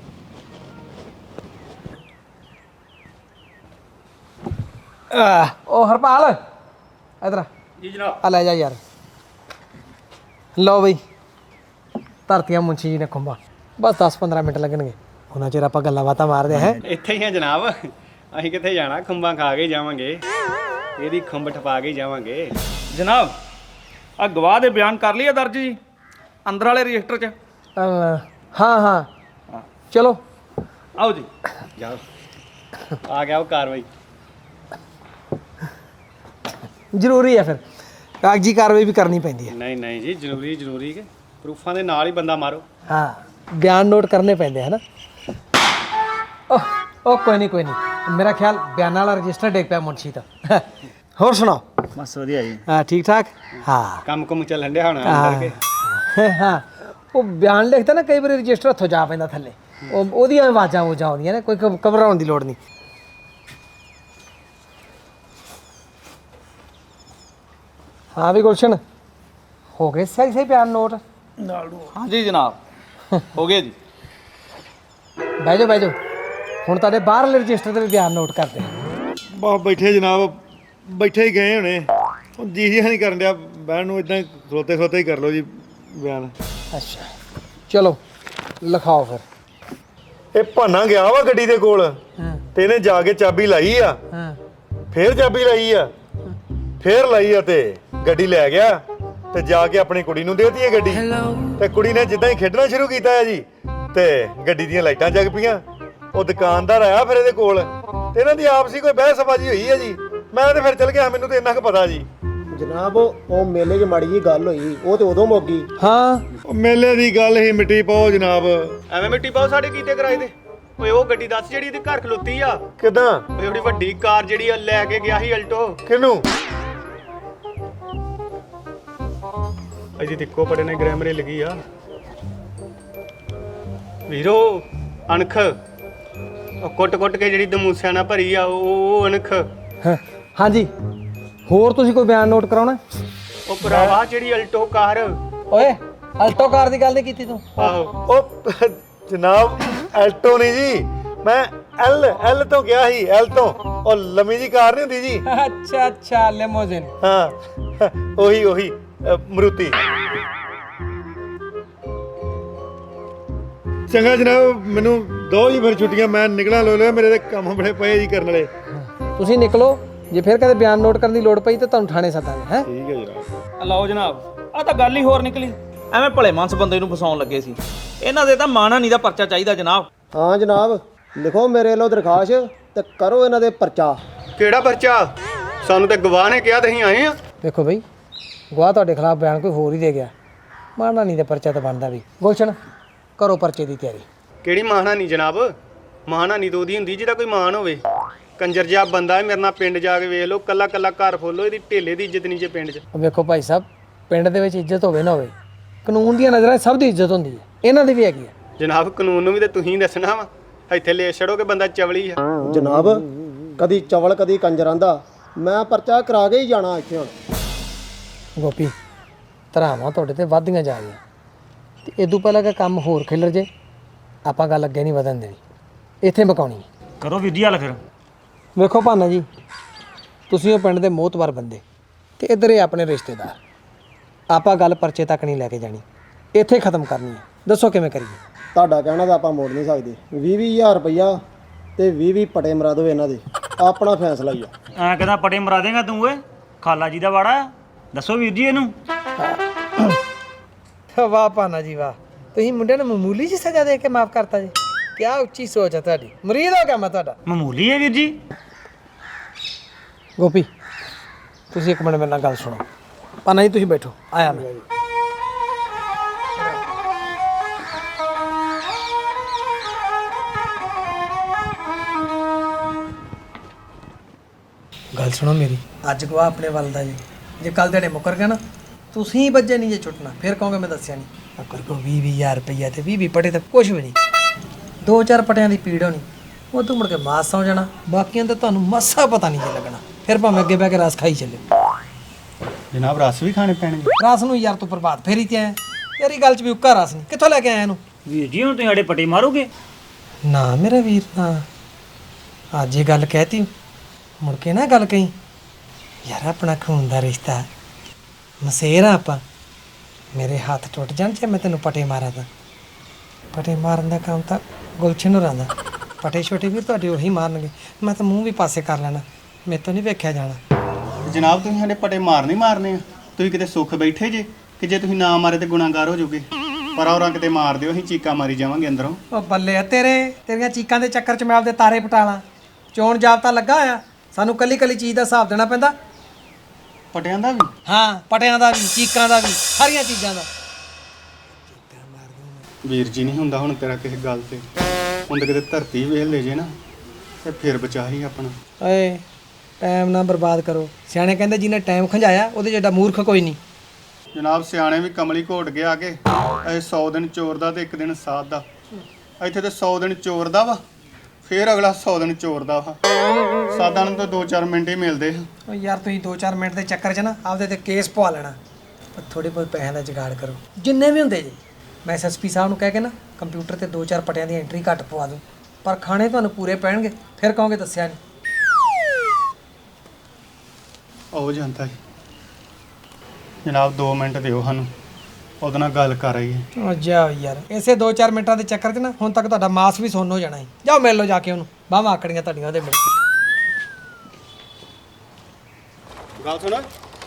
[SPEAKER 3] ਉਹ ਹਰਪਾਲ ਇਧਰ
[SPEAKER 9] ਜੀ ਜਨਾਬ।
[SPEAKER 3] ਆ ਲੈ ਜਾ ਯਾਰ। ਲਓ ਬਈ ਧਰਤੀਆਂ ਮੁੰਸ਼ੀ ਜੀ ਨੇ ਖੁੰਬਾ। ਬਸ 10-15 ਮਿੰਟ ਲੱਗਣਗੇ। ਉਹਨਾਂ ਚਿਰ ਆਪਾਂ ਗੱਲਾਂ ਬਾਤਾਂ ਮਾਰਦੇ ਹੈ।
[SPEAKER 2] ਇੱਥੇ ਹੀ ਆ ਜਨਾਬ, ਅਸੀਂ ਕਿੱਥੇ ਜਾਣਾ, ਖੁੰਬਾਂ ਖਾ ਕੇ ਹੀ ਜਾਵਾਂਗੇ, ਇਹਦੀ ਖੁੰਬ ਠਪਾ ਕੇ ਹੀ ਜਾਵਾਂਗੇ।
[SPEAKER 1] ਜਨਾਬ ਆ ਗਵਾਹ ਦੇ ਬਿਆਨ ਕਰ ਲਈਏ ਦਰਜ ਜੀ ਅੰਦਰ ਵਾਲੇ ਰਜਿਸਟਰ 'ਚ।
[SPEAKER 3] ਹਾਂ ਹਾਂ ਚਲੋ
[SPEAKER 1] ਆਓ ਜੀ।
[SPEAKER 2] ਜਾਓ ਆ ਗਿਆ ਉਹ ਕਾਰਵਾਈ।
[SPEAKER 3] ਜ਼ਰੂਰੀ ਹੈ ਫਿਰ ਕਾਗਜ਼ੀ ਕਾਰਵਾਈ ਵੀ ਕਰਨੀ ਪੈਂਦੀ ਹੈ।
[SPEAKER 2] ਨਹੀਂ ਨਹੀਂ ਜੀ ਜ਼ਰੂਰੀ ਕਿ ਪ੍ਰੂਫਾਂ ਦੇ ਨਾਲ ਹੀ ਬੰਦਾ ਮਾਰੋ।
[SPEAKER 3] ਹਾਂ ਬਿਆਨ ਨੋਟ ਕਰਨੇ ਪੈਂਦੇ ਹੈ ਨਾ। ਉਹ ਕੋਈ ਨਹੀਂ ਮੇਰਾ ਖਿਆਲ ਬਿਆਨਾਂ ਵਾਲਾ ਰਜਿਸਟਰ ਡੇਕ ਪਿਆ ਮੁਨਸ਼ੀ ਦਾ। ਹੋਰ ਸੁਣਾਓ?
[SPEAKER 2] ਬਸ ਵਧੀਆ ਜੀ।
[SPEAKER 3] ਹਾਂ ਠੀਕ ਠਾਕ। ਹਾਂ
[SPEAKER 2] ਕੰਮ ਕੁਮ ਚੱਲਣ ਡਿਆ ਹੋਣਾ ਅੰਦਰ ਕੇ।
[SPEAKER 3] ਹਾਂ ਉਹ ਬਿਆਨ ਲਿਖਦਾ ਨਾ ਕਈ ਵਾਰੀ ਰਜਿਸਟਰ ਹੱਥੋਂ ਜਾ ਪੈਂਦਾ ਥੱਲੇ। ਉਹਦੀਆਂ ਆਵਾਜ਼ਾਂ ਉਹ ਆਉਂਦੀਆਂ ਨੇ, ਕੋਈ ਘਬਰਾਉਣ ਦੀ ਲੋੜ ਨਹੀਂ। ਹਾਂ ਵੀ ਗੁਲਸ਼ਨ ਹੋ ਗਏ ਸਹੀ ਬਿਆਨ ਨੋਟ?
[SPEAKER 1] ਹਾਂਜੀ ਜਨਾਬ ਹੋ ਗਏ ਜੀ।
[SPEAKER 3] ਬਹਿ ਜਾਓ ਹੁਣ ਤੁਹਾਡੇ ਬਾਹਰਲੇ ਰਜਿਸਟਰ ਤੇ ਵੀ ਬਿਆਨ ਨੋਟ ਕਰਦੇ ਆ।
[SPEAKER 8] ਬਾ ਬੈਠੇ ਜਨਾਬ, ਬੈਠੇ ਹੀ ਗਏ ਹੋਣੇ, ਹੁਣ ਜੀ ਨਹੀਂ ਕਰਨ ਡਿਆ ਬਹਿਣ ਨੂੰ, ਇਦਾਂ ਖਲੋਤੇ ਹੀ ਕਰ ਲਓ ਜੀ ਬਿਆਨ।
[SPEAKER 3] ਅੱਛਾ ਚਲੋ ਲਿਖਾਓ ਫਿਰ।
[SPEAKER 8] ਇਹ ਭਾਨਾ ਗਿਆ ਵਾ ਗੱਡੀ ਦੇ ਕੋਲ ਤੇ ਇਹਨੇ ਜਾ ਕੇ ਚਾਬੀ ਲਾਈ ਆ,
[SPEAKER 3] ਹਾਂ
[SPEAKER 8] ਫੇਰ ਚਾਬੀ ਲਾਈ ਆ, ਫੇਰ ਲਾਈ ਆ ਤੇ ਗੱਡੀ ਲੈ ਗਿਆ ਤੇ ਜਾ ਕੇ ਆਪਣੀ ਕੁੜੀ ਨੂੰ ਦੇਤੀ ਹੈ ਗੱਡੀ। ਤੇ ਕੁੜੀ ਨੇ ਜਿੱਦਾਂ ਹੀ ਖੇਡਣਾ ਸ਼ੁਰੂ ਕੀਤਾ ਹੈ ਜੀ ਤੇ ਗੱਡੀ ਦੀਆਂ ਲਾਈਟਾਂ ਜਗ ਪਈਆਂ। ਉਹ ਦੁਕਾਨਦਾਰ ਆਇਆ ਫਿਰ ਇਹਦੇ ਕੋਲ ਤੇ ਇਹਨਾਂ ਦੀ ਆਪਸੀ ਕੋਈ ਬਹਿਸਬਾਜ਼ੀ ਹੋਈ ਹੈ ਜੀ। ਮੈਂ ਤੇ ਫਿਰ ਚਲ ਗਿਆ, ਮੈਨੂੰ ਤੇ ਇੰਨਾ ਕੁ ਪਤਾ ਜੀ।
[SPEAKER 4] ਜਨਾਬ ਉਹ ਮੇਲੇ 'ਚ ਮਾੜੀ ਜੀ ਗੱਲ ਹੋਈ, ਉਹ ਤੇ ਉਦੋਂ ਮੁੱਕ ਗਈ।
[SPEAKER 3] ਹਾਂ
[SPEAKER 8] ਉਹ ਮੇਲੇ ਦੀ ਗੱਲ ਹੀ ਮਿੱਟੀ ਪਾਓ ਜਨਾਬ।
[SPEAKER 2] ਐਵੇਂ ਮਿੱਟੀ ਪਾਓ ਸਾਡੇ ਕੀਤੇ ਕਿਰਾਏ ਦੇ। ਓਏ ਉਹ ਗੱਡੀ ਦੱਸ ਜਿਹੜੀ ਇਹਦੇ ਘਰ ਖਲੋਤੀ ਆ।
[SPEAKER 8] ਕਿਦਾਂ?
[SPEAKER 2] ਓਏ ਉਹਦੀ ਵੱਡੀ ਕਾਰ ਜਿਹੜੀ ਆ ਲੈ ਕੇ ਗਿਆ ਸੀ ਅਲਟੋ।
[SPEAKER 8] ਕਿਹਨੂੰ?
[SPEAKER 2] ਅਜੀ ਤਿੱਕੋ ਪੜੇ ਨੇ ਗ੍ਰੈਮਰੇ ਲੱਗੀ ਆ ਵੀਰੋ। ਅਣਖ ਉਹ ਕੁੱਟ ਕੇ ਜਿਹੜੀ ਦਮੂਸਿਆਂ ਨਾਲ ਭਰੀ ਆ ਉਹ ਅਣਖ।
[SPEAKER 3] ਹਾਂਜੀ ਹੋਰ ਤੁਸੀਂ ਕੋਈ ਬਿਆਨ ਨੋਟ ਕਰਾਉਣਾ?
[SPEAKER 2] ਉਹ ਭਰਾਵਾ ਜਿਹੜੀ ਅਲਟੋ ਕਾਰ।
[SPEAKER 3] ਓਏ ਅਲਟੋ ਕਾਰ ਦੀ ਗੱਲ ਨਹੀਂ ਕੀਤੀ ਤੂੰ?
[SPEAKER 2] ਆਹੋ
[SPEAKER 8] ਉਹ ਜਨਾਬ ਐਲਟੋ ਨਹੀਂ ਜੀ, ਮੈਂ ਐਲ ਤੋਂ ਗਿਆ ਸੀ, ਐਲ ਤੋਂ। ਉਹ ਲੰਮੀ ਜੀ ਕਾਰ ਨਹੀਂ ਹੁੰਦੀ ਜੀ।
[SPEAKER 3] ਅੱਛਾ ਲੈਮੋਜ਼ਿਨ।
[SPEAKER 8] ਹਾਂ ਉਹੀ ਮਰੂਤੀ। ਚੰਗਾ ਜਨਾਬ, ਮੈਨੂੰ ਦੋ ਜੀ ਫਿਰ ਛੁੱਟੀਆਂ, ਮੈਂ ਨਿਕਲਾਂ ਲੋ ਲਿਆ, ਮੇਰੇ ਤੇ ਕੰਮ ਬੜੇ ਪਏ ਜੀ ਕਰਨ ਵਾਲੇ।
[SPEAKER 3] ਤੁਸੀਂ ਨਿਕਲੋ, ਜੇ ਫਿਰ ਕਦੇ ਬਿਆਨ ਨੋਟ ਕਰਨ ਦੀ ਲੋੜ ਪਈ ਤਾਂ ਤੁਹਾਨੂੰ ਥਾਣੇ ਸੱਦਾਂਗੇ। ਹੈ
[SPEAKER 8] ਠੀਕ ਹੈ ਜਨਾਬ।
[SPEAKER 1] ਲਓ ਜਨਾਬ ਆ ਤਾਂ ਗੱਲ ਹੀ ਹੋਰ ਨਿਕਲੀ। ਐਵੇਂ ਭਲੇ ਮਾਨਸ ਬੰਦੇ ਨੂੰ ਫਸਾਉਣ ਲੱਗੇ ਸੀ। ਇਹਨਾਂ ਦੇ ਤਾਂ ਮਾਣਹਾਨੀ ਦਾ ਪਰਚਾ ਚਾਹੀਦਾ ਜਨਾਬ।
[SPEAKER 4] ਹਾਂ ਜਨਾਬ ਲਿਖੋ ਮੇਰੇ ਵੱਲੋਂ ਦਰਖਾਸਤ ਤੇ ਕਰੋ ਇਹਨਾਂ ਦੇ ਪਰਚਾ।
[SPEAKER 2] ਕਿਹੜਾ ਪਰਚਾ? ਸਾਨੂੰ ਤਾਂ ਗਵਾਹ ਨੇ ਕਿਹਾ ਤੇ ਅਸੀਂ ਆਏ ਆ।
[SPEAKER 3] ਵੇਖੋ ਬਈ ਗਵਾਹ ਤੁਹਾਡੇ ਖਿਲਾਫ ਬਿਆਨ ਕੋਈ ਹੋਰ ਹੀ ਦੇ ਗਿਆ, ਮਾਣਹਾਨੀ ਦਾ ਪਰਚਾ ਤਾਂ ਬਣਦਾ ਵੀ। ਗੁਲਸ਼ਨ ਕਰੋ ਪਰਚੇ ਦੀ ਤਿਆਰੀ।
[SPEAKER 2] ਕਿਹੜੀ ਮਾਣਹਾਨੀ ਜਨਾਬ? ਮਾਣਹਾਨੀ ਤਾਂ ਉਹਦੀ ਹੁੰਦੀ ਜਿਹਦਾ ਕੋਈ ਮਾਣ ਹੋਵੇ। ਕੰਜਰ ਜਿਹਾ ਬੰਦਾ ਹੈ, ਮੇਰੇ ਨਾਲ ਪਿੰਡ ਜਾ ਕੇ ਵੇਖ ਲਓ, ਕੱਲਾ ਕੱਲਾ ਘਰ ਫੋਲੋ, ਇਹਦੀ ਢੇਲੇ ਦੀ ਇੱਜ਼ਤ ਨਹੀਂ ਜੇ ਪਿੰਡ 'ਚ।
[SPEAKER 3] ਵੇਖੋ ਭਾਈ ਸਾਹਿਬ, ਪਿੰਡ ਦੇ ਵਿੱਚ ਇੱਜ਼ਤ ਹੋਵੇ ਨਾ ਹੋਵੇ, ਕਾਨੂੰਨ ਦੀਆਂ ਨਜ਼ਰਾਂ 'ਚ ਸਭ ਦੀ ਇੱਜ਼ਤ ਹੁੰਦੀ ਹੈ, ਇਹਨਾਂ ਦੀ ਵੀ ਹੈਗੀ ਹੈ।
[SPEAKER 2] ਜਨਾਬ ਕਾਨੂੰਨ ਨੂੰ ਵੀ ਤੇ ਤੁਸੀਂ ਦੱਸਣਾ ਵਾ, ਇੱਥੇ ਲੈ ਛੜੋ ਕਿ ਬੰਦਾ ਚਵਲੀ ਆ।
[SPEAKER 4] ਜਨਾਬ ਕਦੀ ਚਵਲ ਕਦੀ ਕੰਜਰ ਆਂਦਾ, ਮੈਂ ਪਰਚਾ ਕਰਾ ਕੇ ਹੀ ਜਾਣਾ ਇੱਥੇ ਹੁਣ।
[SPEAKER 3] ਗੋਪੀ, ਧਰਾਵਾਂ ਤੁਹਾਡੇ ਤੇ ਵੱਧਦੀਆਂ ਜਾ ਰਹੀਆਂ, ਤੇ ਇਦੋਂ ਪਹਿਲਾਂ ਕਿ ਕੰਮ ਹੋਰ ਖਿਲਰ ਜੇ, ਆਪਾਂ ਗੱਲ ਅੱਗੇ ਨਹੀਂ ਵਧਣ ਦੇਣੀ, ਇੱਥੇ ਮੁਕਾਉਣੀ ਹੈ।
[SPEAKER 5] ਕਰੋ ਵੀਰ ਜੀ ਹੱਲ ਫਿਰ।
[SPEAKER 3] ਵੇਖੋ ਭਾਨਾ ਜੀ, ਤੁਸੀਂ ਉਹ ਪਿੰਡ ਦੇ ਮੋਹਤਬਰ ਬੰਦੇ, ਤੇ ਇੱਧਰ ਇਹ ਆਪਣੇ ਰਿਸ਼ਤੇਦਾਰ, ਆਪਾਂ ਗੱਲ ਪਰਚੇ ਤੱਕ ਨਹੀਂ ਲੈ ਕੇ ਜਾਣੀ, ਇੱਥੇ ਖਤਮ ਕਰਨੀ ਹੈ। ਦੱਸੋ ਕਿਵੇਂ ਕਰੀਏ?
[SPEAKER 4] ਤੁਹਾਡਾ ਕਹਿਣਾ ਤਾਂ ਆਪਾਂ ਮੋੜ ਨਹੀਂ ਸਕਦੇ। 20,000 ਰੁਪਈਆ ਤੇ 20 ਪਟੇ ਮਰਾ ਦਿਓ ਇਹਨਾਂ ਦੇ, ਆਪਣਾ ਫੈਸਲਾ ਹੀ ਆ।
[SPEAKER 5] ਐਂ ਕਹਿੰਦਾ ਪਟੇ ਮਰਾ ਦੇਗਾ ਤੂੰ ਓਏ, ਖਾਲਾ ਜੀ ਦਾ ਵਾੜਾ। ਦੱਸੋ ਵੀਰ ਜੀ ਇਹਨੂੰ।
[SPEAKER 3] ਵਾਹ ਭਾਨਾ ਜੀ ਵਾਹ, ਤੁਸੀਂ ਮੁੰਡੇ ਨੂੰ ਮਾਮੂਲੀ ਜਿਹੀ ਸਜ਼ਾ ਦੇ ਕੇ ਮਾਫ ਕਰਤਾ ਜੀ। ਕਿਆ ਉੱਚੀ ਸੋਚ ਹੈ ਤੁਹਾਡੀ, ਮਰੀਦ ਹੋ ਗਿਆ ਮੈਂ ਤੁਹਾਡਾ।
[SPEAKER 5] ਮਾਮੂਲੀ ਹੈ ਵੀਰ ਜੀ।
[SPEAKER 3] ਗੋਪੀ, ਤੁਸੀਂ ਇੱਕ ਮਿੰਟ ਮੇਰੇ ਨਾਲ ਗੱਲ ਸੁਣੋ। ਭਾਨਾ ਜੀ ਤੁਸੀਂ ਬੈਠੋ, ਆਇਆ ਮੈਂ। ਗੱਲ ਸੁਣੋ ਮੇਰੀ, ਅੱਜ ਗਵਾ ਆਪਣੇ ਵੱਲ ਦਾ ਜੀ। ਜੇ ਕੱਲ ਦਿਹਾੜੇ ਮੁੱਕਰ ਗਿਆ ਨਾ, ਤੁਸੀਂ ਬੱਜੇ ਨਹੀਂ ਜੇ ਛੁੱਟਣਾ, ਫਿਰ ਕਹੋਗੇ ਮੈਂ ਦੱਸਿਆ ਨਹੀਂ। ਅਕਰ ਕੋ 20,000 ਰੁਪਈਆ ਤੇ 20 ਪਟੇ ਤੇ ਕੁਝ ਵੀ ਨਹੀਂ, 2-4 ਪਟਿਆਂ ਦੀ ਪੀੜ ਹੋਣੀ, ਉਹ ਤੂੰ ਮੁੜ ਕੇ ਮਾਸ ਸੌ ਜਾਣਾ, ਬਾਕੀਆਂ ਦਾ ਤੁਹਾਨੂੰ ਮਸਾ ਪਤਾ ਨਹੀਂ ਜੇ ਲੱਗਣਾ। ਫਿਰ ਭਾਵੇਂ ਅੱਗੇ ਬਹਿ ਕੇ ਰਸ ਖਾਈ ਚੱਲਿਓ।
[SPEAKER 2] ਜਨਾਬ ਰਸ ਵੀ ਖਾਣੇ ਪੈਣਗੇ?
[SPEAKER 3] ਰਸ ਨੂੰ ਯਾਰ ਤੂੰ ਪ੍ਰਭਾਤ ਫੇਰੀ ਤੇ ਆਇਆ, ਯਾਰੀ ਗੱਲ 'ਚ ਵੀ ਉੱਕਾ ਰਸ ਨਹੀਂ, ਕਿੱਥੋਂ ਲੈ ਕੇ ਆਇਆ ਇਹਨੂੰ?
[SPEAKER 5] ਵੀਰ ਜੀ ਹੁਣ ਤੁਸੀਂ ਸਾਡੇ ਪਟੇ ਮਾਰੋਗੇ?
[SPEAKER 3] ਨਾ ਮੇਰਾ ਵੀਰ, ਨਾ ਅੱਜ ਇਹ ਗੱਲ ਕਹਿਤੀ, ਮੁੜ ਕੇ ਨਾ ਗੱਲ ਕਹੀਂ। ਯਾਰ ਆਪਣਾ ਖੂਨ ਦਾ ਰਿਸ਼ਤਾ, ਮਸੇਰ ਆ ਆਪਾਂ, ਮੇਰੇ ਹੱਥ ਟੁੱਟ ਜਾਣ ਜੇ ਮੈਂ ਤੈਨੂੰ ਪਟੇ ਮਾਰਾਂ ਤਾਂ। ਪਟੇ ਮਾਰਨ ਦਾ ਕੰਮ ਤਾਂ ਗੁਲਸ਼ਨ ਹੋਰਾਂ ਦਾ, ਪਟੇ ਛੋਟੇ ਵੀਰ ਤੁਹਾਡੇ ਉਹੀ ਮਾਰਨਗੇ, ਮੈਂ ਤਾਂ ਮੂੰਹ ਵੀ ਪਾਸੇ ਕਰ ਲੈਣਾ, ਮੇਰੇ ਤੋਂ ਨਹੀਂ ਵੇਖਿਆ ਜਾਣਾ।
[SPEAKER 2] ਜਨਾਬ ਤੁਸੀਂ ਸਾਡੇ ਪਟੇ ਮਾਰਨੇ ਆ, ਤੁਸੀਂ ਕਿਤੇ ਸੁੱਖ ਬੈਠੇ ਜੇ ਕਿ ਜੇ ਤੁਸੀਂ ਨਾ ਮਾਰੇ ਤੇ ਗੁਨਾਹਗਾਰ ਹੋ ਜਾਓਗੇ। ਪਰ ਔਰਾਂ ਕਿਤੇ ਮਾਰ ਦਿਓ, ਅਸੀਂ ਚੀਕਾਂ ਮਾਰੀ ਜਾਵਾਂਗੇ ਅੰਦਰੋਂ।
[SPEAKER 3] ਉਹ ਬੱਲੇ ਆ ਤੇਰੇ, ਤੇਰੀਆਂ ਚੀਕਾਂ ਦੇ ਚੱਕਰ 'ਚ ਮੈਂ ਆਪਦੇ ਤਾਰੇ ਪਟਾਲਾਂ। ਚੋਣ ਜਾਬਤਾ ਲੱਗਾ ਹੋਇਆ, ਸਾਨੂੰ ਕੱਲੀ ਕੱਲੀ ਚੀਜ਼ ਦਾ ਹਿਸਾਬ ਦੇਣਾ ਪੈਂਦਾ।
[SPEAKER 2] ਪਟਿਆਂ ਦਾ ਵੀ?
[SPEAKER 3] ਹਾਂ, ਪਟਿਆਂ ਦਾ ਵੀ, ਚੀਕਾਂ ਦਾ ਵੀ, ਸਾਰੀਆਂ ਚੀਜ਼ਾਂ ਦਾ।
[SPEAKER 2] ਵੀਰ ਜੀ ਨਹੀਂ ਹੁੰਦਾ ਹੁਣ ਤੇਰਾ ਕਿਸੇ ਗੱਲ ਤੇ, ਹੁਣ ਤਾਂ ਕਿਤੇ ਧਰਤੀ ਵੇਖ ਲੈ ਜੇ ਨਾ ਤੇ ਫਿਰ ਬਚਾ ਹੀ ਆਪਣਾ।
[SPEAKER 3] ਓਏ ਟਾਈਮ ਨਾ ਬਰਬਾਦ ਕਰੋ, ਸਿਆਣੇ ਕਹਿੰਦੇ ਜਿਹਨੇ ਟਾਈਮ ਖੰਜਾਇਆ ਉਹਦੇ ਜਿਹੜਾ ਮੂਰਖ ਕੋਈ ਨਹੀਂ।
[SPEAKER 2] ਜਨਾਬ ਸਿਆਣੇ ਵੀ ਕਮਲੀ ਘੋਟ ਕੇ ਆ ਕੇ, ਇਹ 100 ਦਿਨ ਚੋਰ ਦਾ ਤੇ 1 ਦਿਨ ਸਾਧ ਦਾ। ਇੱਥੇ ਤੇ 100 ਦਿਨ ਚੋਰ ਦਾ ਵਾ, ਫਿਰ ਅਗਲਾ 100 ਦਿਨ ਚੋਰ ਦਾ ਵਾ। ਸਾਧਾਂ ਨੂੰ ਤਾਂ 2-4 ਮਿੰਟ ਹੀ ਮਿਲਦੇ ਆ।
[SPEAKER 3] ਓ ਯਾਰ ਤੁਸੀਂ 2-4 ਮਿੰਟ ਦੇ ਚੱਕਰ 'ਚ ਨਾ ਆਪਦੇ ਤੇ ਕੇਸ ਪਵਾ ਲੈਣਾ। ਪਰ ਥੋੜੇ ਬਹੁਤ ਪੈਸਿਆਂ ਦਾ ਜੁਗਾੜ ਕਰੋ, ਜਿੰਨੇ ਵੀ ਹੁੰਦੇ ਜੀ। ਮੈਂ ਐਸਐਸਪੀ ਸਾਹਿਬ ਨੂੰ ਕਹਿ ਕੇ ਨਾ ਕੰਪਿਊਟਰ ਤੇ 2-4 ਪਟਿਆਂ ਦੀ ਐਂਟਰੀ ਘੱਟ ਪਵਾ ਦੂੰ, ਪਰ ਖਾਣੇ ਤੁਹਾਨੂੰ ਪੂਰੇ ਪੈਣਗੇ, ਫਿਰ ਕਹੋਗੇ ਦੱਸਿਆ ਨਹੀਂ।
[SPEAKER 2] ਹੋ ਜਾਂਦਾ ਜੀ। ਜਨਾਬ 2 ਮਿੰਟ ਦਿਓ ਸਾਨੂੰ, ਉਹਦੇ ਨਾਲ ਗੱਲ ਕਰ ਆਈਏ।
[SPEAKER 3] ਓ ਜਾਓ ਯਾਰ, ਇਸੇ 2-4 ਮਿੰਟਾਂ ਦੇ ਚੱਕਰ 'ਚ ਨਾ ਹੁਣ ਤੱਕ ਤੁਹਾਡਾ ਮਾਸ ਵੀ ਸੁੰਨ ਹੋ ਜਾਣਾ ਹੈ। ਜਾਓ ਮਿਲ ਲਓ ਜਾ ਕੇ ਉਹਨੂੰ, ਬਾਹਾਂ ਆਕੜੀਆਂ ਤੁਹਾਡੀਆਂ ਉਹਦੇ ਮਿਲ।
[SPEAKER 2] ਗੱਲ ਸੁਣ,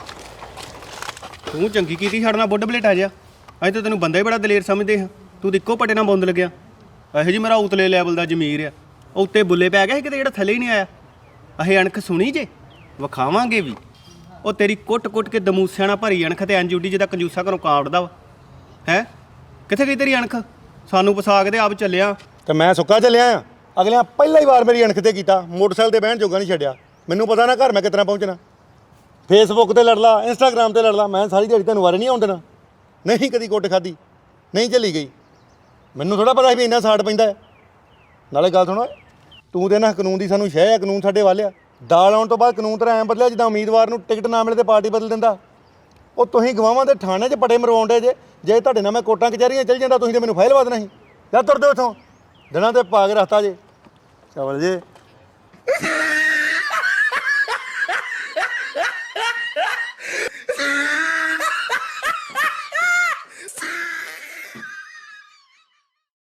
[SPEAKER 2] ਤੂੰ ਚੰਗੀ ਕੀਤੀ ਸਾਡੇ ਨਾਲ ਬੁੱਢ ਬਲੇਟਾ ਜਿਹਾ। ਅਸੀਂ ਤਾਂ ਤੈਨੂੰ ਬੰਦਾ ਹੀ ਬੜਾ ਦਲੇਰ ਸਮਝਦੇ ਹਾਂ, ਤੂੰ ਤਾਂ ਇੱਕੋ ਪੱਟੇ ਨਾਲ ਬੁੰਦ ਲੱਗਿਆ। ਇਹੋ ਜੀ ਮੇਰਾ ਉਤਲੇ ਲੈਵਲ ਦਾ ਜ਼ਮੀਰ ਆ, ਉਹ ਉੱਤੇ ਬੁੱਲੇ ਪੈ ਗਿਆ ਸੀ ਕਿਤੇ, ਜਿਹੜਾ ਥੱਲੇ ਹੀ ਨਹੀਂ ਆਇਆ। ਅਸੀਂ ਅਣਖ ਸੁਣੀ ਜੇ, ਵਿਖਾਵਾਂਗੇ ਵੀ। ਉਹ ਤੇਰੀ ਕੁੱਟ-ਕੁੱਟ ਕੇ ਦਮੂਸਿਆਂ ਨਾਲ ਭਰੀ ਅਣਖ ਤੇ ਐਂਜੂਡੀ ਜਿਹਦਾ ਕੰਜੂਸਾ ਘਰੋਂ ਕਾਵੜਦਾ ਵਾ। ਹੈ ਕਿੱਥੇ ਗਈ ਤੇਰੀ ਅਣਖ? ਸਾਨੂੰ ਪਸਾ ਕੇ ਤੇ ਆਪ ਚੱਲਿਆ।
[SPEAKER 8] ਤੇ ਮੈਂ ਸੁੱਕਾ ਚੱਲਿਆ ਆ। ਅਗਲਿਆਂ ਪਹਿਲਾ ਹੀ ਵਾਰ ਮੇਰੀ ਅਣਖ ਤੇ ਕੀਤਾ, ਮੋਟਰਸਾਈਕਲ ਤੇ ਬਹਿਣ ਜੋਗਾ ਨਹੀਂ ਛੱਡਿਆ। ਮੈਨੂੰ ਪਤਾ ਨਾ ਘਰ ਮੈਂ ਕਿਤਨਾ ਪਹੁੰਚਣਾ। ਫੇਸਬੁੱਕ ਤੇ ਲੜ ਲਾ, ਇੰਸਟਾਗ੍ਰਾਮ ਤੇ ਲੜ ਲਾ, ਮੈਂ ਸਾਰੀ ਦਿਹਾੜੀ ਤੁਹਾਨੂੰ ਵਾਰੇ ਨਹੀਂ ਆਉਣ ਦੇਣਾ। ਨਹੀਂ ਕਦੀ ਕੁੱਟ ਖਾਧੀ, ਨਹੀਂ ਝੱਲੀ ਗਈ। ਮੈਨੂੰ ਥੋੜਾ ਪਤਾ ਸੀ ਵੀ ਇੰਨਾ ਸਾੜ ਪੈਂਦਾ ਹੈ। ਨਾਲੇ ਗੱਲ ਸੁਣੋ, ਤੂੰ ਤੇ ਨਾ ਕਾਨੂੰਨ ਦੀ ਸਾਨੂੰ ਸ਼ਹਿ ਆ, ਕਾਨੂੰਨ ਸਾਡੇ ਵੱਲ ਆ। ਦਾਲ ਆਉਣ ਤੋਂ ਬਾਅਦ ਕਾਨੂੰਨ ਤਾਂ ਐਂ ਬਦਲਿਆ ਜਿੱਦਾਂ ਉਮੀਦਵਾਰ ਨੂੰ ਟਿਕਟ ਨਾ ਮਿਲੇ ਤੇ ਪਾਰਟੀ ਬਦਲ ਦਿੰਦਾ। ਉਹ ਤੁਸੀਂ ਗਵਾਹਾਂ ਦੇ ਥਾਣੇ 'ਚ ਪਟੇ ਮਰਵਾਉਂਦੇ ਜੇ ਤੁਹਾਡੇ ਨਾਲ ਮੈਂ ਕੋਰਟਾਂ ਕਚਹਿਰੀਆਂ ਚੱਲ ਜਾਂਦਾ, ਤੁਸੀਂ ਤਾਂ ਮੈਨੂੰ ਫਾਈਲ ਵਾ ਦੇਣਾ ਸੀ। ਜਾਂ ਤੁਰਦੇ ਉੱਥੋਂ, ਦਿਨਾਂ ਤੇ ਪਾ ਕੇ ਰੱਖਤਾ ਜੇ ਚਵਲ ਜੇ।